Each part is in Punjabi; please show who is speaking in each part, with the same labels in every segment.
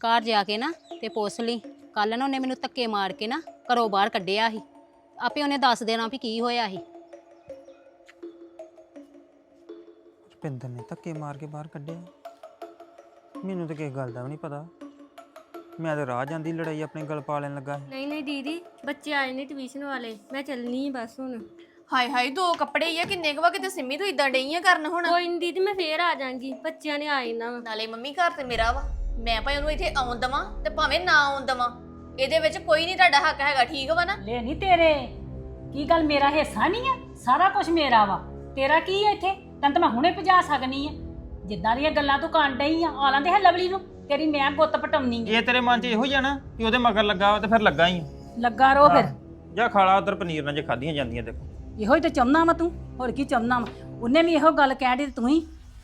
Speaker 1: ਘਰ ਜਾ ਕੇ ਨਾ ਤੇ ਪੁੱਛ ਲਈ। ਕੱਲ ਨਾ ਉਹਨੇ ਮੈਨੂੰ ਧੱਕੇ ਮਾਰ ਕੇ ਨਾ ਘਰੋਂ ਬਾਹਰ ਕੱਢਿਆ ਸੀ। ਆਪੇ ਉਹਨੇ ਦੱਸ ਦੇਣਾ ਵੀ ਕੀ ਹੋਇਆ ਸੀ।
Speaker 2: ਰੁਪਿੰਦਰ ਨੇ ਧੱਕੇ ਮਾਰ ਕੇ ਬਾਹਰ ਕੱਢਿਆ। ਮੈਨੂੰ ਤਾਂ ਕਿਸੇ ਗੱਲ ਦਾ ਵੀ ਨਹੀਂ ਪਤਾ। ਮੈਂ ਤਾਂ ਰਾਹ ਜਾਂਦੀ ਲੜਾਈ ਆਪਣੇ ਗਲ ਪਾ ਲੈਣ ਲੱਗਾ ਸੀ।
Speaker 3: ਨਹੀਂ ਦੀਦੀ, ਬੱਚੇ ਆਏ ਨੇ ਟਿਊਸ਼ਨ ਵਾਲੇ, ਮੈਂ ਚੱਲਣੀ ਬਸ ਹੁਣ।
Speaker 4: ਹਾਏ ਹਾਏ, 2 ਕੱਪੜੇ ਹੀ ਆ, ਕਿੰਨੇ ਕੁ ਵਾ? ਕਿਤੇ ਸਿੰਮੀ ਤੂੰ ਇਦਾਂ ਡਈ ਆ ਕਰਨ ਹੁਣ।
Speaker 3: ਕੋਈ ਨਹੀਂ ਦੀਦੀ, ਮੈਂ ਫੇਰ ਆ ਜਾਾਂਗੀ, ਬੱਚਿਆਂ ਨੇ ਆਏ ਨਾ।
Speaker 4: ਨਾਲੇ ਮੰਮੀ ਘਰ ਤੇ ਮੇਰਾ ਵਾ, ਮੈਂ ਭਾਵੇਂ ਉਹਨੂੰ ਇੱਥੇ ਆਉਣ ਦਵਾਂ ਤੇ ਭਾਵੇਂ ਨਾ ਆਉਣ ਦਵਾਂ, ਇਹਦੇ ਵਿੱਚ ਕੋਈ ਨਹੀਂ ਤੁਹਾਡਾ ਹੱਕ ਹੈਗਾ, ਠੀਕ ਵਾ ਨਾ?
Speaker 5: ਲੈ ਨਹੀਂ ਤੇਰੇ ਕੀ ਗੱਲ, ਮੇਰਾ ਹਿੱਸਾ ਨਹੀਂ ਆ? ਸਾਰਾ ਕੁਝ ਮੇਰਾ ਵਾ, ਤੇਰਾ ਕੀ ਹੈ ਇੱਥੇ? ਤੈਨੂੰ ਤਾਂ ਮੈਂ ਹੁਣੇ ਭਜਾ ਸਕਨੀ ਆ। ਜਿੱਦਾਂ ਦੀਆਂ ਗੱਲਾਂ ਤੂੰ ਕਰਨ ਡਈ ਆ, ਆ ਲੈਂਦੇ ਹੈ ਲਵਲੀ ਨੂੰ, ਤੇਰੀ ਮੈਂ ਗੁੱਤ ਪਟਾਉਣੀ ਆ।
Speaker 2: ਇਹ ਤੇਰੇ ਮਨ 'ਚ ਇਹੋ ਹੀ ਆ ਨਾ ਕਿ ਉਹਦੇ ਮਗਰ ਲੱਗਾ ਤੇ ਫਿਰ ਲੱਗਾ ਹੀ ਆ।
Speaker 5: ਲੱਗਾ ਰੋ ਫਿਰ।
Speaker 2: ਜਾ ਖਾਲਾ ਉਧਰ ਪਨੀਰ ਨਾਲ ਜੇ ਖਾਧੀਆਂ ਜਾਂਦੀਆਂ ਦੇਖੋ।
Speaker 5: ਇਹੋ ਹੀ ਤਾਂ ਚਾਹੁੰਦਾ ਵਾ ਤੂੰ, ਹੋਰ ਕੀ ਚਾਹੁੰਦਾ ਵਾ? ਉਹਨੇ ਵੀ ਇਹੋ ਗੱਲ ਕਹਿ ਦਿੱਤੀ, ਤੂੰ ਹੀ।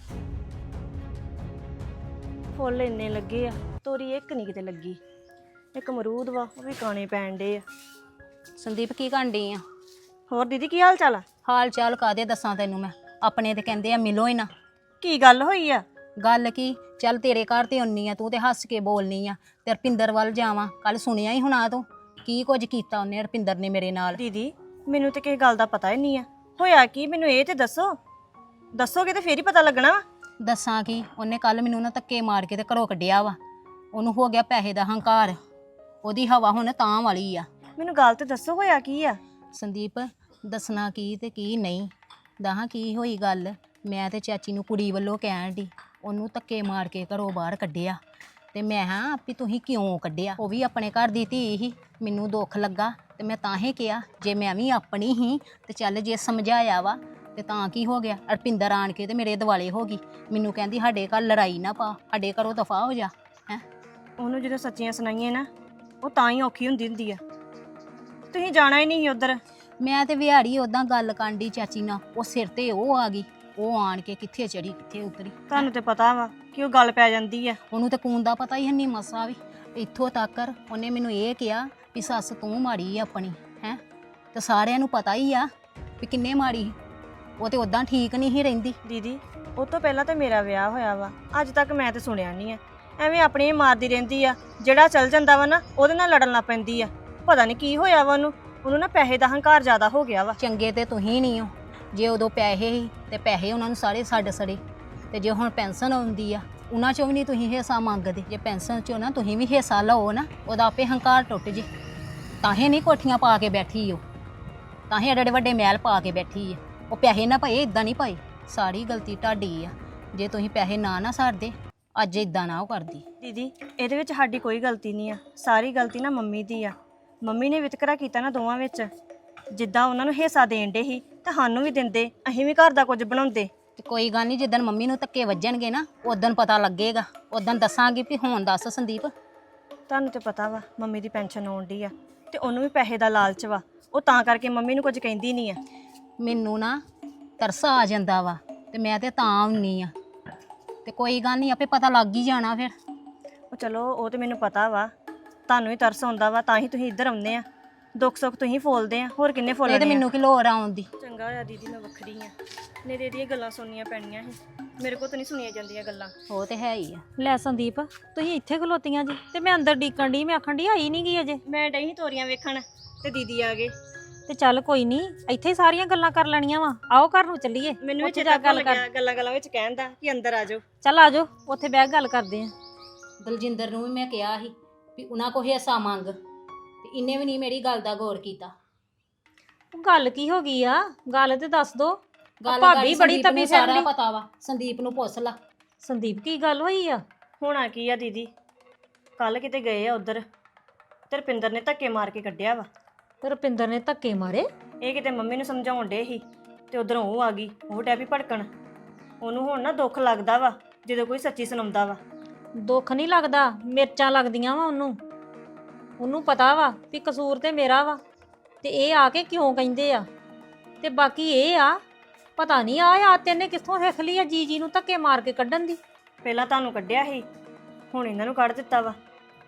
Speaker 6: ਫੁੱਲ ਇੰਨੇ ਲੱਗੇ ਆ, ਤੋਰੀ ਇੱਕ ਨਹੀਂ ਕਿਤੇ ਲੱਗੀ। ਇੱਕ ਅਮਰੂਦ ਵਾ, ਉਹ ਵੀ ਕਾਣੇ ਪੈਣ ਡੇ ਆ।
Speaker 1: ਸੰਦੀਪ ਕੀ ਕਰਨ ਡਈ ਆ?
Speaker 6: ਹੋਰ ਦੀਦੀ ਕੀ ਹਾਲ ਚਾਲ ਆ?
Speaker 1: ਹਾਲ ਚਾਲ ਕਾਦੇ ਦੱਸਾਂ ਤੈਨੂੰ ਮੈਂ? ਆਪਣੇ ਤੇ ਕਹਿੰਦੇ ਆ ਮਿਲੋ ਹੀ ਨਾ।
Speaker 6: ਕੀ ਗੱਲ ਹੋਈ ਆ?
Speaker 1: ਗੱਲ ਕੀ, ਚੱਲ ਤੇਰੇ ਘਰ ਤੇ ਆਉਣੀ ਆ, ਤੂੰ ਤੇ ਹੱਸ ਕੇ ਬੋਲਨੀ ਆ ਤੇ ਰਪਿੰਦਰ ਵੱਲ ਜਾਵਾਂ। ਕੱਲ ਸੁਣਿਆ ਹੀ ਹੁਣਾ ਤੂੰ ਕੀ ਕੁਝ ਕੀਤਾ ਉਹਨੇ, ਰਪਿੰਦਰ ਨੇ ਮੇਰੇ ਨਾਲ।
Speaker 6: ਦੀਦੀ ਮੈਨੂੰ ਤੇ ਕਿਸੇ ਗੱਲ ਦਾ ਪਤਾ ਹੀ ਨਹੀਂ ਆ, ਹੋਇਆ ਕੀ ਮੈਨੂੰ ਇਹ ਤੇ ਦੱਸੋ। ਦੱਸੋਗੇ ਤੇ ਫੇਰ ਹੀ ਪਤਾ ਲੱਗਣਾ ਵਾ।
Speaker 1: ਦੱਸਾਂ ਕੀ, ਉਹਨੇ ਕੱਲ ਮੈਨੂੰ ਨਾ ਧੱਕੇ ਮਾਰ ਕੇ ਤੇ ਘਰੋਂ ਕੱਢਿਆ ਵਾ। ਉਹਨੂੰ ਹੋ ਗਿਆ ਪੈਸੇ ਦਾ ਹੰਕਾਰ, ਉਹਦੀ ਹਵਾ ਹੁਣ ਤਾਂ ਵਾਲੀ ਆ।
Speaker 6: ਮੈਨੂੰ ਗੱਲ ਤੇ ਦੱਸੋ, ਹੋਇਆ ਕੀ ਆ?
Speaker 1: ਸੰਦੀਪ ਦੱਸਣਾ ਕੀ ਤੇ ਕੀ ਨਹੀਂ, ਦਹਾਂ ਕੀ ਹੋਈ ਗੱਲ। ਮੈਂ ਤੇ ਚਾਚੀ ਨੂੰ ਕੁੜੀ ਵੱਲੋਂ ਕਹਿਣ ਦੀ, ਉਹਨੂੰ ਧੱਕੇ ਮਾਰ ਕੇ ਘਰੋਂ ਬਾਹਰ ਕੱਢਿਆ। ਤੇ ਮੈਂ ਹਾਂ ਵੀ ਤੁਸੀਂ ਕਿਉਂ ਕੱਢਿਆ? ਉਹ ਵੀ ਆਪਣੇ ਘਰ ਦੀ ਧੀ ਹੀ, ਮੈਨੂੰ ਦੁੱਖ ਲੱਗਾ ਤੇ ਮੈਂ ਤਾਂ ਹੀ ਕਿਹਾ ਜੇ ਮੈਂ ਵੀ ਆਪਣੀ ਹੀ ਤੇ ਚੱਲ ਜੇ ਸਮਝਾਇਆ ਵਾ ਤੇ ਤਾਂ ਕੀ ਹੋ ਗਿਆ। ਰਪਿੰਦਰ ਆਣ ਕੇ ਤੇ ਮੇਰੇ ਦਿਵਾਲੇ ਹੋ ਗਈ, ਮੈਨੂੰ ਕਹਿੰਦੀ ਸਾਡੇ ਘਰ ਲੜਾਈ ਨਾ ਪਾ, ਸਾਡੇ ਘਰੋਂ ਦਫਾ ਹੋ ਜਾ। ਹੈ
Speaker 6: ਉਹਨੂੰ ਜਦੋਂ ਸੱਚੀਆਂ ਸੁਣਾਈਏ ਨਾ, ਉਹ ਤਾਂ ਹੀ ਔਖੀ ਹੁੰਦੀ ਆ। ਤੁਸੀਂ ਜਾਣਾ ਹੀ ਨਹੀਂ ਉਧਰ।
Speaker 1: ਮੈਂ ਤੇ ਵਿਹਾੜੀ ਉਦਾਂ ਗੱਲ ਕਾਂਡੀ ਚਾਚੀ ਨਾਲ, ਉਹ ਸਿਰ ਤੇ ਉਹ ਆ ਗਈ, ਉਹ ਆਣ ਕੇ ਕਿੱਥੇ ਚੜੀ ਕਿੱਥੇ ਉਤਰੀ।
Speaker 6: ਤੁਹਾਨੂੰ ਤੇ ਪਤਾ ਵਾ ਕਿ ਉਹ ਗੱਲ ਪੈ ਜਾਂਦੀ ਆ।
Speaker 1: ਉਹਨੂੰ ਤੇ ਕੂਨ ਦਾ ਪਤਾ ਹੀ ਨਹੀਂ ਮਸਾ ਵੀ। ਇੱਥੋਂ ਤੱਕ ਉਹਨੇ ਮੈਨੂੰ ਇਹ ਕਿਹਾ ਵੀ ਸੱਸ ਤੂੰ ਮਾੜੀ ਆ ਆਪਣੀ, ਹੈ ਤੇ ਸਾਰਿਆਂ ਨੂੰ ਪਤਾ ਹੀ ਆ ਵੀ ਕਿੰਨੇ ਮਾੜੀ। ਉਹ ਤੇ ਉਦਾਂ ਠੀਕ ਨਹੀਂ ਹੀ ਰਹਿੰਦੀ।
Speaker 6: ਦੀਦੀ ਉਹ ਤੋਂ ਪਹਿਲਾਂ ਤਾਂ ਮੇਰਾ ਵਿਆਹ ਹੋਇਆ ਵਾ, ਅੱਜ ਤੱਕ ਮੈਂ ਤੇ ਸੁਣਿਆ ਨਹੀਂ ਆ। ਐਵੇਂ ਆਪਣੀ ਹੀ ਮਾਰਦੀ ਰਹਿੰਦੀ ਆ, ਜਿਹੜਾ ਚੱਲ ਜਾਂਦਾ ਵਾ ਨਾ ਉਹਦੇ ਨਾਲ ਲੜਨ ਲੱਗ ਪੈਂਦੀ ਆ। ਪਤਾ ਨਹੀਂ ਕੀ ਹੋਇਆ ਵਾ ਉਹਨੂੰ ਨਾ ਪੈਸੇ ਦਾ ਹੰਕਾਰ ਜ਼ਿਆਦਾ ਹੋ ਗਿਆ ਵਾ।
Speaker 1: ਚੰਗੇ ਤੇ ਤੁਸੀਂ ਨਹੀਂ ਹੋ। ਜੇ ਉਦੋਂ ਪੈਸੇ ਸੀ ਤੇ ਪੈਸੇ ਉਹਨਾਂ ਨੂੰ ਸਾਰੇ ਛੱਡ ਸੜੇ, ਤੇ ਜੇ ਹੁਣ ਪੈਨਸ਼ਨ ਆਉਂਦੀ ਆ ਉਹਨਾਂ ਚੋਂ ਵੀ ਨਹੀਂ ਤੁਸੀਂ ਹਿੱਸਾ ਮੰਗਦੇ। ਜੇ ਪੈਨਸ਼ਨ ਚੋਂ ਨਾ ਤੁਸੀਂ ਵੀ ਹਿੱਸਾ ਲਓ ਨਾ, ਉਹਦਾ ਆਪੇ ਹੰਕਾਰ ਟੁੱਟ ਜੇ। ਤਾਂ ਹੀ ਨਹੀਂ ਕੋਠੀਆਂ ਪਾ ਕੇ ਬੈਠੀ ਉਹ, ਤਾਂ ਹੀ ਐਡੇ ਵੱਡੇ ਮਹਿਲ ਪਾ ਕੇ ਬੈਠੀ ਆ। ਉਹ ਪੈਸੇ ਨਾ ਪਏ, ਇਦਾਂ ਨਹੀਂ ਪਏ। ਸਾਰੀ ਗਲਤੀ ਤੁਹਾਡੀ ਆ, ਜੇ ਤੁਸੀਂ ਪੈਸੇ ਨਾ ਛੱਡਦੇ ਅੱਜ ਇਦਾਂ ਨਾ ਉਹ ਕਰਦੀ।
Speaker 6: ਦੀਦੀ ਇਹਦੇ ਵਿੱਚ ਸਾਡੀ ਕੋਈ ਗਲਤੀ ਨਹੀਂ ਆ, ਸਾਰੀ ਗਲਤੀ ਨਾ ਮੰਮੀ ਦੀ ਆ। ਮੰਮੀ ਨੇ ਵਿਤਕਰਾ ਕੀਤਾ ਨਾ ਦੋਵਾਂ ਵਿੱਚ। ਜਿੱਦਾਂ ਉਹਨਾਂ ਨੂੰ ਹਿੱਸਾ ਦੇਣ ਦੇ ਸੀ ਤਾਂ ਸਾਨੂੰ ਵੀ ਦਿੰਦੇ, ਅਸੀਂ ਵੀ ਘਰ ਦਾ ਕੁਝ ਬਣਾਉਂਦੇ।
Speaker 1: ਤੇ ਕੋਈ ਗੱਲ ਨਹੀਂ, ਜਿੱਦਣ ਮੰਮੀ ਨੂੰ ਧੱਕੇ ਵੱਜਣਗੇ ਨਾ ਉਦੋਂ ਪਤਾ ਲੱਗੇਗਾ, ਉਦੋਂ ਦੱਸਾਂਗੀ ਵੀ ਹੁਣ ਦੱਸ ਸੰਦੀਪ।
Speaker 6: ਤੁਹਾਨੂੰ ਤੇ ਪਤਾ ਵਾ ਮੰਮੀ ਦੀ ਪੈਨਸ਼ਨ ਆਉਣ ਡਈ ਆ ਤੇ ਉਹਨੂੰ ਵੀ ਪੈਸੇ ਦਾ ਲਾਲਚ ਵਾ, ਉਹ ਤਾਂ ਕਰਕੇ ਮੰਮੀ ਨੂੰ ਕੁਝ ਕਹਿੰਦੀ ਨਹੀਂ ਆ।
Speaker 1: ਮੈਨੂੰ ਨਾ ਤਰਸ ਆ ਜਾਂਦਾ ਵਾ ਤੇ ਮੈਂ ਤੇ ਤਾਂ ਆਉਣੀ ਆ। ਤੇ ਕੋਈ ਗੱਲ ਨਹੀਂ, ਆਪੇ ਪਤਾ ਲੱਗ ਹੀ ਜਾਣਾ ਫਿਰ।
Speaker 6: ਉਹ ਚਲੋ ਉਹ ਤੇ ਮੈਨੂੰ ਪਤਾ ਵਾ, ਤੁਹਾਨੂੰ ਹੀ ਤਰਸ ਆਉਂਦਾ ਵਾ ਤਾਂ ਹੀ ਤੁਸੀਂ ਇੱਧਰ ਆਉਂਦੇ ਆ। ਦੁੱਖ ਸੁੱਖ ਤੁਸੀਂ ਫੋਲਦੇ ਆ, ਹੋਰ ਕਿੰਨੇ
Speaker 1: ਇਹ
Speaker 6: ਫੋਲਣੇ
Speaker 1: ਤੇ
Speaker 6: ਆ?
Speaker 1: ਮੈਨੂੰ ਕੀ ਲੋੜ ਆਉਣ ਦੀ।
Speaker 6: ਚੰਗਾ ਹੋਇਆ ਦੀਦੀ ਮੈਂ ਵੱਖਰੀ ਆ, ਨਹੀਂ ਤੇ ਇਹਦੀਆਂ ਗੱਲਾਂ ਸੁਣਨੀਆਂ ਪੈਣੀਆਂ ਸੀ। ਮੇਰੇ ਕੋਲ ਤਾਂ ਨਹੀਂ ਸੁਣੀਆਂ ਜਾਂਦੀਆਂ ਗੱਲਾਂ।
Speaker 1: ਉਹ ਤੇ ਹੈ ਹੀ ਆ।
Speaker 5: ਲੈ ਸੰਦੀਪ, ਤੁਸੀਂ ਇੱਥੇ ਖਲੋਤੀਆਂ ਜੀ ਤੇ ਮੈਂ ਅੰਦਰ ਡੀਕਣ ਦੀ, ਮੈਂ ਆਖਣ ਦੀ ਆਈ ਨਹੀਂ ਗਈ ਅਜੇ।
Speaker 6: ਮੈਂ ਡਈ ਸੀ ਤੋਰੀਆਂ ਵੇਖਣ ਤੇ ਦੀਦੀ ਆ ਗਏ।
Speaker 5: ਤੇ ਚੱਲ ਕੋਈ ਨਹੀਂ, ਇੱਥੇ ਹੀ ਸਾਰੀਆਂ ਗੱਲਾਂ ਕਰ ਲੈਣੀਆਂ ਵਾ। ਆਓ ਘਰ ਨੂੰ ਚੱਲੀਏ,
Speaker 6: ਮੈਨੂੰ ਵੀ
Speaker 5: ਉੱਥੇ
Speaker 6: ਚੇਤਾ
Speaker 5: ਜਾ ਗੱਲ ਕਰ।
Speaker 6: ਗੱਲਾਂ ਵਿੱਚ ਕਹਿੰਦਾ ਕਿ ਅੰਦਰ ਆ ਜਾਓ।
Speaker 5: ਚੱਲ ਆ ਜਾਓ, ਉੱਥੇ ਬਹਿ ਕੇ ਗੱਲ ਕਰਦੇ ਆ।
Speaker 1: ਦਲਜਿੰਦਰ ਨੂੰ ਵੀ ਮੈਂ ਕਿਹਾ ਸੀ ਵੀ ਉਹਨਾਂ ਕੋਲ ਹਿੱਸਾ ਮੰਗ, ਤੇ ਇਹਨੇ ਵੀ ਨਹੀਂ ਮੇਰੀ ਗੱਲ ਦਾ ਗੌਰ ਕੀਤਾ।
Speaker 5: ਗੱਲ ਕੀ ਹੋ ਗਈ ਆ? ਗੱਲ ਤੇ ਦੱਸ ਦੋ।
Speaker 1: ਗੱਲ
Speaker 5: ਭਾਬੀ ਬੜੀ ਤਪੀ
Speaker 1: ਸਾਰਾ
Speaker 5: ਫਿਰਦੀ।
Speaker 1: ਪਤਾ ਵਾ, ਸੰਦੀਪ ਨੂੰ ਪੁੱਛ ਲਾ।
Speaker 5: ਸੰਦੀਪ ਕੀ ਗੱਲ ਹੋਈ ਆ?
Speaker 6: ਹੋਣਾ ਕੀ ਆ ਦੀਦੀ, ਕੱਲ ਕਿਤੇ ਗਏ ਆ ਉਧਰ ਤੇ ਰੁਪਿੰਦਰ ਨੇ ਧੱਕੇ ਮਾਰ ਕੇ ਕੱਢਿਆ ਵਾ।
Speaker 5: ਰੁਪਿੰਦਰ ਨੇ ਧੱਕੇ ਮਾਰੇ?
Speaker 6: ਇਹ ਕਿਤੇ ਮੰਮੀ ਨੂੰ ਸਮਝਾਉਣ ਡੇ ਸੀ ਤੇ ਉਧਰੋਂ ਉਹ ਆ ਗਈ, ਉਹ ਡੈ ਵੀ ਭੜਕਣ। ਉਹਨੂੰ ਹੁਣ ਨਾ ਦੁੱਖ ਲੱਗਦਾ ਵਾ ਜਦੋਂ ਕੋਈ ਸੱਚੀ ਸੁਣਾਉਂਦਾ ਵਾ।
Speaker 5: ਦੁੱਖ ਨਹੀਂ ਲੱਗਦਾ, ਮਿਰਚਾਂ ਲੱਗਦੀਆਂ ਵਾ ਉਹਨੂੰ। ਉਹਨੂੰ ਪਤਾ ਵਾ ਵੀ ਕਸੂਰ ਤੇ ਮੇਰਾ ਵਾ, ਤੇ ਇਹ ਆ ਕੇ ਕਿਉਂ ਕਹਿੰਦੇ ਆ। ਤੇ ਬਾਕੀ ਇਹ ਆ, ਪਤਾ ਨਹੀਂ ਆ ਤੈਨੇ ਕਿੱਥੋਂ ਸਿੱਖ ਲਈ ਆ ਜੀ ਨੂੰ ਧੱਕੇ ਮਾਰ ਕੇ ਕੱਢਣ ਦੀ।
Speaker 6: ਪਹਿਲਾਂ ਤੁਹਾਨੂੰ ਕੱਢਿਆ ਸੀ, ਹੁਣ ਇਹਨਾਂ ਨੂੰ ਕੱਢ ਦਿੱਤਾ ਵਾ।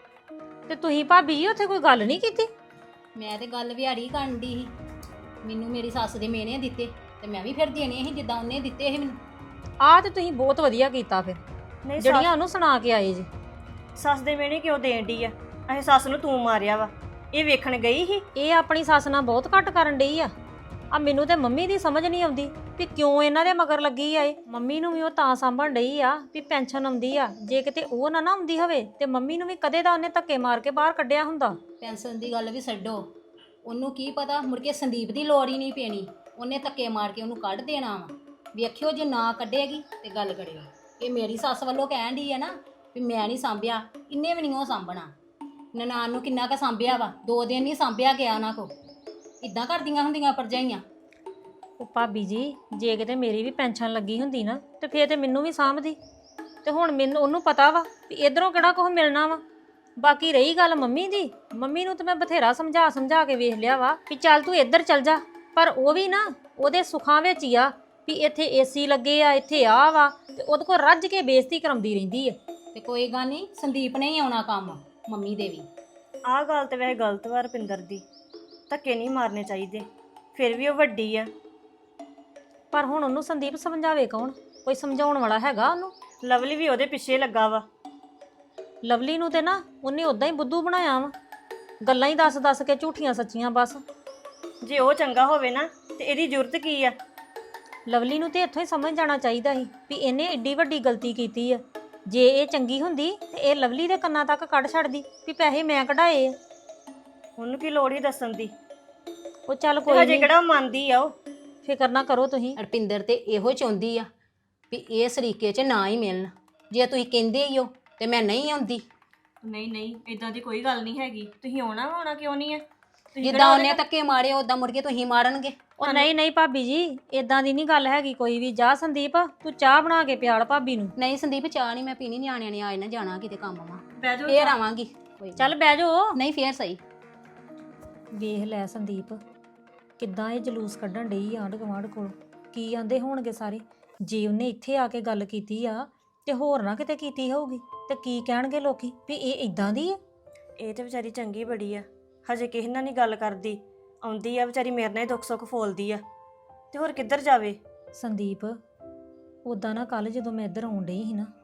Speaker 5: ਤੇ ਤੁਸੀਂ ਭਾਬੀ ਜੀ ਉੱਥੇ ਕੋਈ ਗੱਲ ਨਹੀਂ ਕੀਤੀ?
Speaker 1: ਮੈਂ ਤੇ ਗੱਲ ਵਿਹਾੜੀ ਕਰਨ ਦੀ ਸੀ। ਮੈਨੂੰ ਮੇਰੀ ਸੱਸ ਦੇ ਮੇਨੇ ਦਿੱਤੇ ਤੇ ਮੈਂ ਵੀ ਫਿਰ ਦੇਣੇ ਸੀ ਜਿੱਦਾਂ ਉਹਨੇ ਦਿੱਤੇ ਸੀ ਮੈਨੂੰ।
Speaker 5: ਆਹ ਤੇ ਤੁਸੀਂ ਬਹੁਤ ਵਧੀਆ ਕੀਤਾ ਫਿਰ,
Speaker 6: ਨਹੀਂ
Speaker 5: ਜਿਹੜੀਆਂ ਉਹਨੂੰ ਸੁਣਾ ਕੇ ਆਏ ਜੀ।
Speaker 6: ਸੱਸ ਦੇ ਮਿਹਣੇ ਕਿਉਂ ਦੇਣ ਡਈ ਆ? ਅਹੇ ਸੱਸ ਨੂੰ ਤੂੰ ਮਾਰਿਆ ਵਾ, ਇਹ ਵੇਖਣ ਗਈ ਸੀ?
Speaker 5: ਇਹ ਆਪਣੀ ਸੱਸ ਨਾਲ ਬਹੁਤ ਘੱਟ ਕਰਨ ਡਈ ਆ। ਮੈਨੂੰ ਤੇ ਮੰਮੀ ਦੀ ਸਮਝ ਨਹੀਂ ਆਉਂਦੀ ਵੀ ਕਿਉਂ ਇਹਨਾਂ ਦੇ ਮਗਰ ਲੱਗੀ ਆ। ਇਹ ਮੰਮੀ ਨੂੰ ਵੀ ਉਹ ਤਾਂ ਸਾਂਭਣ ਡਈ ਆ ਵੀ ਪੈਨਸ਼ਨ ਆਉਂਦੀ ਆ। ਜੇ ਕਿਤੇ ਉਹ ਨਾ ਆਉਂਦੀ ਹੋਵੇ ਤੇ ਮੰਮੀ ਨੂੰ ਵੀ ਕਦੇ ਦਾ ਉਹਨੇ ਧੱਕੇ ਮਾਰ ਕੇ ਬਾਹਰ ਕੱਢਿਆ ਹੁੰਦਾ।
Speaker 1: ਪੈਨਸ਼ਨ ਦੀ ਗੱਲ ਵੀ ਛੱਡੋ, ਉਹਨੂੰ ਕੀ ਪਤਾ ਮੁੜ ਕੇ ਸੰਦੀਪ ਦੀ ਲੋੜ ਹੀ ਨਹੀਂ ਪੈਣੀ, ਉਹਨੇ ਧੱਕੇ ਮਾਰ ਕੇ ਉਹਨੂੰ ਕੱਢ ਦੇਣਾ ਵਾ। ਵੇਖਿਓ ਜੇ ਨਾ ਕੱਢੇਗੀ ਤੇ ਗੱਲ ਕਰਿਓ। ਇਹ ਮੇਰੀ ਸੱਸ ਵੱਲੋਂ ਕਹਿਣ ਡਈ ਆ ਨਾ ਵੀ ਮੈਂ ਨਹੀਂ ਸਾਂਭਿਆ, ਇੰਨੇ ਵੀ ਨਹੀਂ ਉਹ ਸਾਂਭਣਾ। ਨਨਾਣ ਨੂੰ ਕਿੰਨਾ ਕੁ ਸਾਂਭਿਆ ਵਾ, 2 ਦਿਨ ਨਹੀਂ ਸਾਂਭਿਆ ਗਿਆ ਉਹਨਾਂ ਕੋ। ਇਦਾਂ ਕਰਦੀਆਂ ਹੁੰਦੀਆਂ ਭਰਜਾਈਆਂ।
Speaker 5: ਉਹ ਭਾਬੀ ਜੀ, ਜੇ ਕਿਤੇ ਮੇਰੀ ਵੀ ਪੈਨਸ਼ਨ ਲੱਗੀ ਹੁੰਦੀ ਨਾ ਤੇ ਫੇਰ ਤੇ ਮੈਨੂੰ ਵੀ ਸਾਂਭਦੀ। ਤੇ ਹੁਣ ਮੈਨੂੰ ਉਹਨੂੰ ਪਤਾ ਵਾ ਵੀ ਇਧਰੋਂ ਕਿਹੜਾ ਕੁਝ ਮਿਲਣਾ ਵਾ। ਬਾਕੀ ਰਹੀ ਗੱਲ ਮੰਮੀ ਦੀ, ਮੰਮੀ ਨੂੰ ਤੇ ਮੈਂ ਬਥੇਰਾ ਸਮਝਾ ਕੇ ਵੇਖ ਲਿਆ ਵਾ ਵੀ ਚੱਲ ਤੂੰ ਇੱਧਰ ਚੱਲ ਜਾ, ਪਰ ਉਹ ਵੀ ਨਾ ਉਹਦੇ ਸੁੱਖਾਂ ਵਿੱਚ ਹੀ ਆ ਵੀ ਇੱਥੇ ਏਸੀ ਲੱਗੇ ਆ, ਇੱਥੇ ਆ ਵਾ, ਤੇ ਉਹਦੇ ਕੋਲ ਰੱਜ ਕੇ ਬੇਇੱਜ਼ਤੀ ਕਰਾਉਂਦੀ ਰਹਿੰਦੀ ਆ।
Speaker 1: ਤੇ ਕੋਈ ਗੱਲ ਨਹੀਂ, ਸੰਦੀਪ ਨੇ ਹੀ ਆਉਣਾ ਕੰਮ, ਮੰਮੀ ਦੇ ਵੀ।
Speaker 6: ਆਹ ਗੱਲ ਤੇ ਵੈਸੇ ਗਲਤ ਵਾ ਰੁਪਿੰਦਰ ਦੀ, ਧੱਕੇ ਨਹੀਂ ਮਾਰਨੇ ਚਾਹੀਦੇ, ਫਿਰ ਵੀ ਉਹ ਵੱਡੀ ਆ।
Speaker 5: ਪਰ ਹੁਣ ਉਹਨੂੰ ਸੰਦੀਪ ਸਮਝਾਵੇ ਕੌਣ? ਕੋਈ ਸਮਝਾਉਣ ਵਾਲਾ ਹੈਗਾ ਉਹਨੂੰ?
Speaker 6: ਲਵਲੀ ਵੀ ਉਹਦੇ ਪਿੱਛੇ ਲੱਗਾ ਵਾ।
Speaker 5: ਲਵਲੀ ਨੂੰ ਤੇ ਨਾ ਉਹਨੇ ਉਦਾਂ ਹੀ ਬੁੱਧੂ ਬਣਾਇਆ ਵਾ, ਗੱਲਾਂ ਹੀ ਦੱਸ ਕੇ ਝੂਠੀਆਂ ਸੱਚੀਆਂ ਬਸ।
Speaker 6: ਜੇ ਉਹ ਚੰਗਾ ਹੋਵੇ ਨਾ ਤੇ ਇਹਦੀ ਜ਼ਰੂਰਤ ਕੀ ਆ?
Speaker 5: ਲਵਲੀ ਨੂੰ ਤੇ ਇੱਥੋਂ ਹੀ ਸਮਝ ਜਾਣਾ ਚਾਹੀਦਾ ਸੀ ਵੀ ਇਹਨੇ ਏਡੀ ਵੱਡੀ ਗਲਤੀ ਕੀਤੀ ਆ। ਜੇ ਇਹ ਚੰਗੀ ਹੁੰਦੀ ਤੇ ਇਹ ਲਵਲੀ ਦੇ ਕੰਨਾਂ ਤੱਕ ਕੱਢ ਛੱਡਦੀ ਵੀ ਪੈਸੇ ਮੈਂ ਕਢਾਏ ਆ।
Speaker 6: ਉਹਨੂੰ ਕੀ ਲੋੜ ਹੀ ਦੱਸਣ ਦੀ?
Speaker 5: ਉਹ ਚੱਲ
Speaker 6: ਤੇ
Speaker 5: ਕੋਈ
Speaker 6: ਹਜੇ
Speaker 5: ਨਹੀਂ,
Speaker 6: ਕਿਹੜਾ ਮੰਨਦੀ ਆ ਉਹ?
Speaker 5: ਫਿਕਰ ਨਾ ਕਰੋ ਤੁਸੀਂ।
Speaker 1: ਰੁਪਿੰਦਰ ਤੇ ਇਹੋ ਚਾਹੁੰਦੀ ਆ ਵੀ ਇਹ ਸਰੀਕੇ 'ਚ ਨਾ ਹੀ ਮਿਲਣ। ਜੇ ਤੁਸੀਂ ਕਹਿੰਦੇ ਹੀ ਹੋ ਤੇ ਮੈਂ ਨਹੀਂ ਆਉਂਦੀ।
Speaker 6: ਨਹੀਂ ਇਦਾਂ ਦੀ ਕੋਈ ਗੱਲ ਨਹੀਂ ਹੈਗੀ। ਤੁਸੀਂ ਆਉਣਾ ਕਿਉਂ ਨਹੀਂ ਹੈ?
Speaker 1: ਜਿੱਦਾਂ ਉਹਨੇ ਧੱਕੇ ਮਾਰੇ ਉਦਾਂ ਮੁੜ ਕੇ ਤੁਸੀਂ ਮਾਰਨਗੇ।
Speaker 5: ਉਹ ਨਹੀਂ ਭਾਬੀ ਜੀ, ਇਦਾਂ ਦੀ ਨਹੀਂ ਗੱਲ ਹੈਗੀ ਕੋਈ ਵੀ। ਜਾ ਸੰਦੀਪ, ਤੂੰ ਚਾਹ ਬਣਾ ਕੇ ਪਿਆਲ ਭਾਬੀ ਨੂੰ।
Speaker 1: ਨਹੀਂ ਸੰਦੀਪ, ਚਾਹ ਨਹੀਂ ਮੈਂ ਪੀਣੀ, ਨਿਆਣਿਆਂ ਨੇ ਆਏ ਨਾ ਜਾਣਾ ਕਿਤੇ ਕੰਮ ਵਾ,
Speaker 6: ਬਹਿ ਜਾਓ।
Speaker 1: ਫੇਰ ਆਵਾਂਗੀ। ਕੋਈ
Speaker 5: ਚੱਲ ਬਹਿ ਜਾਓ।
Speaker 1: ਨਹੀਂ ਫੇਰ ਸਹੀ।
Speaker 5: ਵੇਖ ਲੈ ਸੰਦੀਪ, ਕਿੱਦਾਂ ਇਹ ਜਲੂਸ ਕੱਢਣ ਡਈ ਆਂਢ ਗੁਆਂਢ ਕੋਲ। ਕੀ ਆਂਦੇ ਹੋਣਗੇ ਸਾਰੇ? ਜੇ ਉਹਨੇ ਇੱਥੇ ਆ ਕੇ ਗੱਲ ਕੀਤੀ ਆ ਤੇ ਹੋਰ ਨਾ ਕਿਤੇ ਕੀਤੀ ਹੋਊਗੀ ਤੇ ਕੀ ਕਹਿਣਗੇ ਲੋਕੀ ਵੀ ਇਹ ਇਦਾਂ ਦੀ ਆ।
Speaker 6: ਇਹ ਤੇ ਵਿਚਾਰੀ ਚੰਗੀ ਬੜੀ ਆ, ਹਜੇ ਕਿਸੇ ਨਾਲ ਨਹੀਂ ਗੱਲ ਕਰਦੀ। ਆਉਂਦੀ ਆ ਵਿਚਾਰੀ ਮੇਰੇ ਨਾਲ ਹੀ ਦੁੱਖ ਸੁੱਖ ਫੋਲਦੀ ਆ, ਤੇ ਹੋਰ ਕਿੱਧਰ ਜਾਵੇ?
Speaker 5: ਸੰਦੀਪ, ਉਦਾਂ ਨਾ ਕੱਲ ਜਦੋਂ ਮੈਂ ਇੱਧਰ ਆਉਣ ਡਈ ਸੀ ਨਾ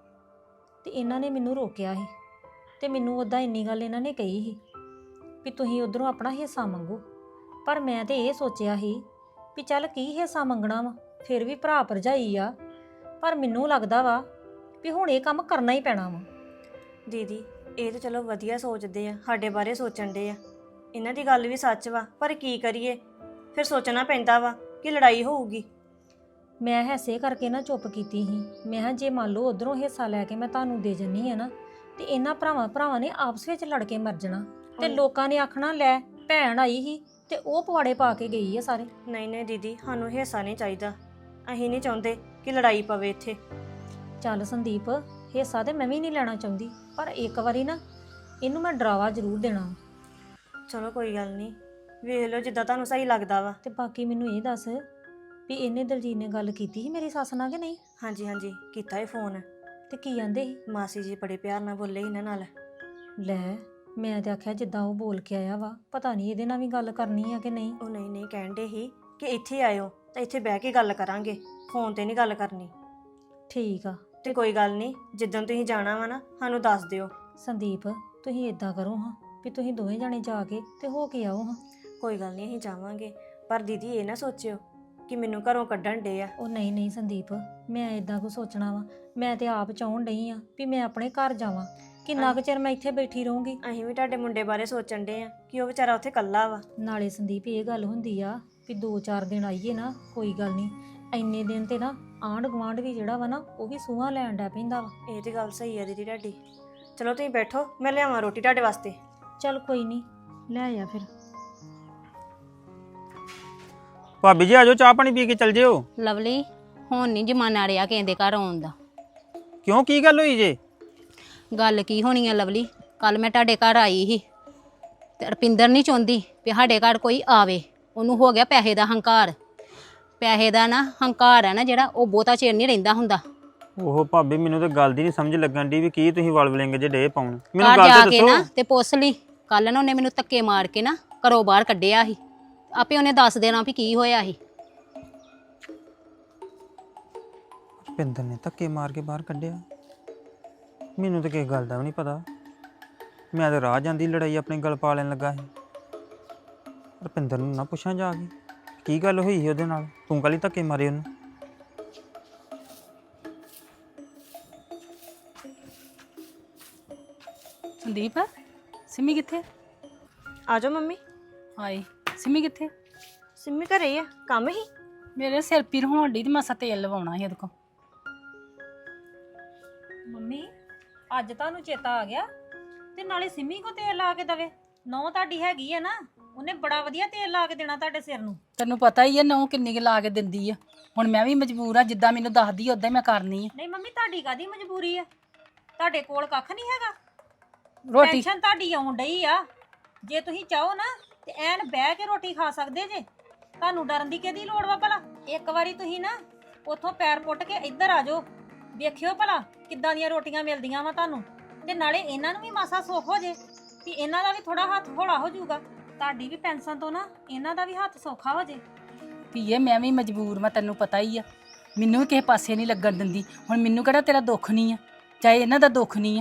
Speaker 5: ਤੇ ਇਹਨਾਂ ਨੇ ਮੈਨੂੰ ਰੋਕਿਆ ਸੀ, ਤੇ ਮੈਨੂੰ ਉਦਾਂ ਇੰਨੀ ਗੱਲ ਇਹਨਾਂ ਨੇ ਕਹੀ ਸੀ ਵੀ ਤੁਸੀਂ ਉਧਰੋਂ ਆਪਣਾ ਹਿੱਸਾ ਮੰਗੋ। ਪਰ ਮੈਂ ਤੇ ਇਹ ਸੋਚਿਆ ਸੀ ਵੀ ਚੱਲ ਕੀ ਹਿੱਸਾ ਮੰਗਣਾ ਵਾ, ਫਿਰ ਵੀ ਭਰਾ ਭਰਜਾਈ ਆ। ਪਰ ਮੈਨੂੰ ਲੱਗਦਾ ਵਾ ਵੀ ਹੁਣ ਇਹ ਕੰਮ ਕਰਨਾ ਹੀ ਪੈਣਾ ਵਾ।
Speaker 6: ਦੀਦੀ, ਇਹ ਤਾਂ ਚਲੋ ਵਧੀਆ ਸੋਚਦੇ ਆ, ਸਾਡੇ ਬਾਰੇ ਸੋਚਣ ਦੇ ਆ। ਇਹਨਾਂ ਦੀ ਗੱਲ ਵੀ ਸੱਚ ਵਾ, ਪਰ ਕੀ ਕਰੀਏ? ਫਿਰ ਸੋਚਣਾ ਪੈਂਦਾ ਵਾ ਕਿ ਲੜਾਈ ਹੋਊਗੀ।
Speaker 5: ਮੈਂ ਹੈਸੇ ਕਰਕੇ ਨਾ ਚੁੱਪ ਕੀਤੀ ਸੀ। ਮੈਂ ਕਿਹਾ ਜੇ ਮੰਨ ਲਓ ਉਧਰੋਂ ਹਿੱਸਾ ਲੈ ਕੇ ਮੈਂ ਤੁਹਾਨੂੰ ਦੇ ਜੰਨੀ ਆ ਨਾ ਤੇ ਇਹਨਾਂ ਭਰਾਵਾਂ ਨੇ ਆਪਸ ਵਿੱਚ ਲੜ ਕੇ ਮਰ ਜਾਣਾ, ਤੇ ਲੋਕਾਂ ਨੇ ਆਖਣਾ ਲੈ ਭੈਣ ਆਈ ਸੀ ਤੇ ਉਹ ਪਵਾੜੇ ਪਾ ਕੇ ਗਈ ਆ ਸਾਰੇ।
Speaker 6: ਨਹੀਂ ਦੀਦੀ, ਸਾਨੂੰ ਹਿੱਸਾ ਨਹੀਂ ਚਾਹੀਦਾ। ਅਸੀਂ ਨਹੀਂ ਚਾਹੁੰਦੇ ਕਿ ਲੜਾਈ ਪਵੇ ਇੱਥੇ।
Speaker 5: ਚੱਲ ਸੰਦੀਪ, ਹਿੱਸਾ ਤੇ ਮੈਂ ਵੀ ਨਹੀਂ ਲੈਣਾ ਚਾਹੁੰਦੀ, ਪਰ ਇੱਕ ਵਾਰੀ ਨਾ ਇਹਨੂੰ ਮੈਂ ਡਰਾਵਾ ਜ਼ਰੂਰ ਦੇਣਾ।
Speaker 6: ਚਲੋ ਕੋਈ ਗੱਲ ਨਹੀਂ, ਵੇਖ ਲਓ ਜਿੱਦਾਂ ਤੁਹਾਨੂੰ ਸਹੀ ਲੱਗਦਾ ਵਾ।
Speaker 5: ਤੇ ਬਾਕੀ ਮੈਨੂੰ ਇਹ ਦੱਸ ਵੀ ਇਹਨੇ ਦਲਜੀਤ ਨੇ ਗੱਲ ਕੀਤੀ ਸੀ ਮੇਰੀ ਸੱਸ ਨਾਲ ਕਿ ਨਹੀਂ?
Speaker 6: ਹਾਂਜੀ ਕੀਤਾ ਇਹ ਫੋਨ।
Speaker 5: ਤੇ ਕੀ ਆਂਦੇ ਸੀ?
Speaker 6: ਮਾਸੀ ਜੀ ਬੜੇ ਪਿਆਰ ਨਾਲ ਬੋਲੇ ਇਹਨਾਂ ਨਾਲ।
Speaker 5: ਲੈ, ਮੈਂ ਤੇ ਆਖਿਆ ਜਿੱਦਾਂ ਉਹ ਬੋਲ ਕੇ ਆਇਆ ਵਾ, ਪਤਾ ਨਹੀਂ ਇਹਦੇ ਨਾਲ ਵੀ ਗੱਲ ਕਰਨੀ ਆ ਕਿ ਨਹੀਂ।
Speaker 6: ਉਹ ਨਹੀਂ ਕਹਿੰਦੇ ਸੀ ਕਿ ਇੱਥੇ ਆਇਓ ਤਾਂ ਇੱਥੇ ਬਹਿ ਕੇ ਗੱਲ ਕਰਾਂਗੇ, ਫੋਨ ਤੇ ਨਹੀਂ ਗੱਲ ਕਰਨੀ।
Speaker 5: ਠੀਕ ਆ।
Speaker 6: ਤੇ ਕੋਈ ਗੱਲ ਨਹੀਂ, ਜਿੱਦਣ ਤੁਸੀਂ ਜਾਣਾ ਵਾ ਨਾ ਸਾਨੂੰ ਦੱਸ ਦਿਓ।
Speaker 5: ਸੰਦੀਪ, ਤੁਸੀਂ ਇਦਾਂ ਕਰੋ ਹਾਂ ਵੀ ਤੁਸੀਂ ਦੋਵੇਂ ਜਾਣੇ ਜਾ ਕੇ ਤੇ ਹੋ ਕੇ ਆਓ ਹਾਂ।
Speaker 6: ਕੋਈ ਗੱਲ ਨਹੀਂ, ਅਸੀਂ ਜਾਵਾਂਗੇ, ਪਰ ਦੀਦੀ ਇਹ ਨਾ ਸੋਚਿਓ ਕਿ ਮੈਨੂੰ ਘਰੋਂ ਕੱਢਣ ਡੇ ਆ।
Speaker 5: ਉਹ ਨਹੀਂ ਸੰਦੀਪ, ਮੈਂ ਇਦਾਂ ਕੁਝ ਸੋਚਣਾ ਵਾ। ਮੈਂ ਤੇ ਆਪ ਚਾਹੁਣ ਡਈ ਆ ਵੀ ਮੈਂ ਆਪਣੇ ਘਰ ਜਾਵਾਂ। ਕਿੰਨਾ ਕੁ ਚਿਰ ਮੈਂ ਇੱਥੇ ਬੈਠੀ ਰਹੂੰਗੀ?
Speaker 6: ਅਸੀਂ ਵੀ ਤੁਹਾਡੇ ਮੁੰਡੇ ਬਾਰੇ ਸੋਚਣ ਡੇ ਆ ਕਿ ਉਹ ਵਿਚਾਰਾ ਉੱਥੇ ਇਕੱਲਾ ਵਾ।
Speaker 5: ਨਾਲੇ ਸੰਦੀਪ, ਇਹ ਗੱਲ ਹੁੰਦੀ ਆ ਵੀ 2-4 ਦਿਨ ਆਈਏ ਨਾ, ਕੋਈ ਗੱਲ ਨਹੀਂ। ਇੰਨੇ ਦਿਨ ਤੇ ਨਾ ਆਂਢ ਗੁਆਂਢ ਵੀ ਜਿਹੜਾ ਵਾ ਨਾ ਉਹ ਵੀ ਸੂਹਾਂ ਲੈਣ ਡੈ ਪੈਂਦਾ ਵਾ।
Speaker 6: ਇਹ ਤੇ ਗੱਲ ਸਹੀ ਆ ਦੀਦੀ ਤੁਹਾਡੀ। ਚਲੋ ਤੁਸੀਂ ਬੈਠੋ, ਮੈਂ ਲਿਆਵਾਂ ਰੋਟੀ ਤੁਹਾਡੇ ਵਾਸਤੇ।
Speaker 5: ਚੱਲ ਕੋਈ ਨਹੀਂ, ਲੈ ਆ ਫਿਰ।
Speaker 2: ਭਾਬੀ ਜੀ ਆਜੋ, ਚਾਹ ਪਾਣੀ ਪੀ ਕੇ ਚੱਲ ਜਿਓ।
Speaker 1: ਲਵਲੀ, ਹੁਣ ਨਹੀਂ ਜਮਾਨਾ ਰਿਹਾ ਕਹਿੰਦੇ ਘਰ ਆਉਣ ਦਾ।
Speaker 2: ਕਿਉਂ, ਕੀ ਗੱਲ ਹੋਈ ਜੇ?
Speaker 1: ਗੱਲ ਕੀ ਹੋਣੀ ਆ ਲਵਲੀ, ਕੱਲ ਮੈਂ ਤੁਹਾਡੇ ਘਰ ਆਈ ਸੀ ਤੇ ਰੁਪਿੰਦਰ ਨਹੀਂ ਚਾਹੁੰਦੀ ਵੀ ਸਾਡੇ ਘਰ ਕੋਈ ਆਵੇ। ਉਹਨੂੰ ਹੋ ਗਿਆ ਪੈਸੇ ਦਾ ਹੰਕਾਰ। ਪੈਸੇ ਦਾ ਨਾ ਹੰਕਾਰ ਹੈ ਨਾ ਜਿਹੜਾ, ਉਹ ਬਹੁਤਾ ਚਿਰ ਨਹੀਂ ਰਹਿੰਦਾ ਹੁੰਦਾ।
Speaker 2: ਉਹ ਭਾਬੀ, ਮੈਨੂੰ ਤਾਂ ਗੱਲ ਦੀ ਨਹੀਂ ਸਮਝ ਲੱਗਣ ਦੀ ਵੀ ਕੀ ਤੁਸੀਂ ਵਲਵਲਿੰਗ ਜੇ ਡੇ ਪਾਉਣ। ਮੈਨੂੰ
Speaker 1: ਘਰ
Speaker 2: ਗੱਲ
Speaker 1: ਜਾ
Speaker 2: ਤਾਂ
Speaker 1: ਕੇ
Speaker 2: ਦੱਸੋ।
Speaker 1: ਨਾ ਤੇ ਪੁੱਛ ਲਈ। ਕੱਲ ਨਾ ਉਹਨੇ ਮੈਨੂੰ ਧੱਕੇ ਮਾਰ ਕੇ ਨਾ ਘਰੋਂ ਬਾਹਰ ਕੱਢਿਆ ਸੀ। ਆਪੇ ਉਹਨੇ ਦੱਸ ਦੇਣਾ ਵੀ ਕੀ ਹੋਇਆ ਸੀ।
Speaker 2: ਰੁਪਿੰਦਰ ਨੇ ਧੱਕੇ ਮਾਰ ਕੇ ਬਾਹਰ ਕੱਢਿਆ? ਮੈਨੂੰ ਤਾਂ ਕਿਸੇ ਗੱਲ ਦਾ ਵੀ ਨਹੀਂ ਪਤਾ। ਮੈਂ ਤਾਂ ਰਾਹ ਜਾਂਦੀ ਲੜਾਈ ਆਪਣੇ ਗਲ ਪਾ ਲੈਣ ਲੱਗਾ ਸੀ। ਰੁਪਿੰਦਰ ਨੂੰ ਨਾ ਪੁੱਛਾਂ ਜਾ ਕੇ ਕੀ ਗੱਲ ਹੋਈ ਸੀ ਉਹਦੇ ਨਾਲ, ਤੂੰ ਕਾਹਲੀ ਧੱਕੇ ਮਾਰੇ ਉਹਨੂੰ?
Speaker 7: ਸੰਦੀਪ ਸਿੰਮੀ ਕਿੱਥੇ?
Speaker 6: ਆ ਜਾਓ ਮੰਮੀ।
Speaker 7: ਹਾਏ ਸਿੰਮੀ ਕਿੱਥੇ?
Speaker 6: ਸਿੰਮੀ ਘਰੇ ਹੀ ਆ, ਕੰਮ ਹੀ।
Speaker 7: ਮੇਰੇ ਸਿਰ ਪੀਰ ਹੋਣ ਡਈ ਤੇ ਮਾਸਾ ਤੇਲ ਲਵਾਉਣਾ ਸੀ ਇਹਦੇ ਕੋਲ।
Speaker 5: ਮੰਮੀ ਅੱਜ ਤੁਹਾਨੂੰ ਚੇਤਾ ਆ ਗਿਆ ਤੇ ਨਾਲੇ ਸਿੰਮੀ ਕੋ ਤੇਲ ਲਾ ਕੇ ਦਵੇ। ਨੌ ਤੁਹਾਡੀ ਹੈਗੀ ਆ ਨਾ, ਉਹਨੇ ਬੜਾ ਵਧੀਆ ਤੇਲ ਲਾ ਕੇ ਦੇਣਾ ਤੁਹਾਡੇ ਸਿਰ ਨੂੰ।
Speaker 7: ਤੈਨੂੰ ਪਤਾ ਹੀ ਆ ਨਹੁੰ ਕਿੰਨੀ ਕੁ ਲਾ ਕੇ ਦਿੰਦੀ ਆ। ਹੁਣ ਮੈਂ ਵੀ ਮਜਬੂਰ ਆ, ਜਿੱਦਾਂ ਮੈਨੂੰ ਦੱਸਦੀ ਉਦਾਂ ਹੀ ਮੈਂ ਕਰਨੀ ਆ।
Speaker 5: ਨਹੀਂ ਮੰਮੀ ਤੁਹਾਡੀ ਕਾਦੀ ਮਜਬੂਰੀ ਆ? ਤੁਹਾਡੇ ਕੋਲ ਕੱਖ ਨਹੀਂ ਹੈਗਾ।
Speaker 7: ਰੋਟੀ
Speaker 5: ਟੈਨਸ਼ਨ ਤੁਹਾਡੀ ਆਉਣ ਡਈ ਆ। ਜੇ ਤੁਸੀਂ ਚਾਹੋ ਨਾ ਤੇ ਐਨ ਬਹਿ ਕੇ ਰੋਟੀ ਖਾ ਸਕਦੇ ਜੇ। ਤੁਹਾਨੂੰ ਡਰਨ ਦੀ ਕਿਹਦੀ ਲੋੜ ਵਾ ਭਲਾ? ਇੱਕ ਵਾਰੀ ਤੁਸੀਂ ਨਾ ਉੱਥੋਂ ਪੈਰ ਪੁੱਟ ਕੇ ਇੱਧਰ ਆ ਜਾਓ, ਵੇਖਿਓ ਭਲਾ ਕਿੱਦਾਂ ਦੀਆਂ ਰੋਟੀਆਂ ਮਿਲਦੀਆਂ ਵਾ ਤੁਹਾਨੂੰ। ਤੇ ਨਾਲੇ ਇਹਨਾਂ ਨੂੰ ਵੀ ਮਾਸਾ ਸੁੱਖ ਹੋ ਜੇ ਵੀ ਇਹਨਾਂ ਦਾ ਵੀ ਥੋੜਾ ਹੱਥ ਹੌਲਾ ਹੋ ਜਾਊਗਾ। ਤੁਹਾਡੀ ਵੀ ਪੈਨਸ਼ਨ ਤੋਂ ਨਾ ਇਹਨਾਂ ਦਾ ਵੀ ਹੱਥ ਸੌਖਾ ਹੋ ਜੇ।
Speaker 7: ਧੀਏ ਮੈਂ ਵੀ ਮਜਬੂਰ, ਮੈਂ ਤੈਨੂੰ ਪਤਾ ਹੀ ਆ। ਮੈਨੂੰ ਵੀ ਕਿਸੇ ਪਾਸੇ ਨਹੀਂ ਲੱਗਣ ਦਿੰਦੀ। ਹੁਣ ਮੈਨੂੰ ਕਿਹੜਾ ਤੇਰਾ ਦੁੱਖ ਨਹੀਂ ਆ, ਚਾਹੇ ਇਹਨਾਂ ਦਾ ਦੁੱਖ ਨਹੀਂ ਆ।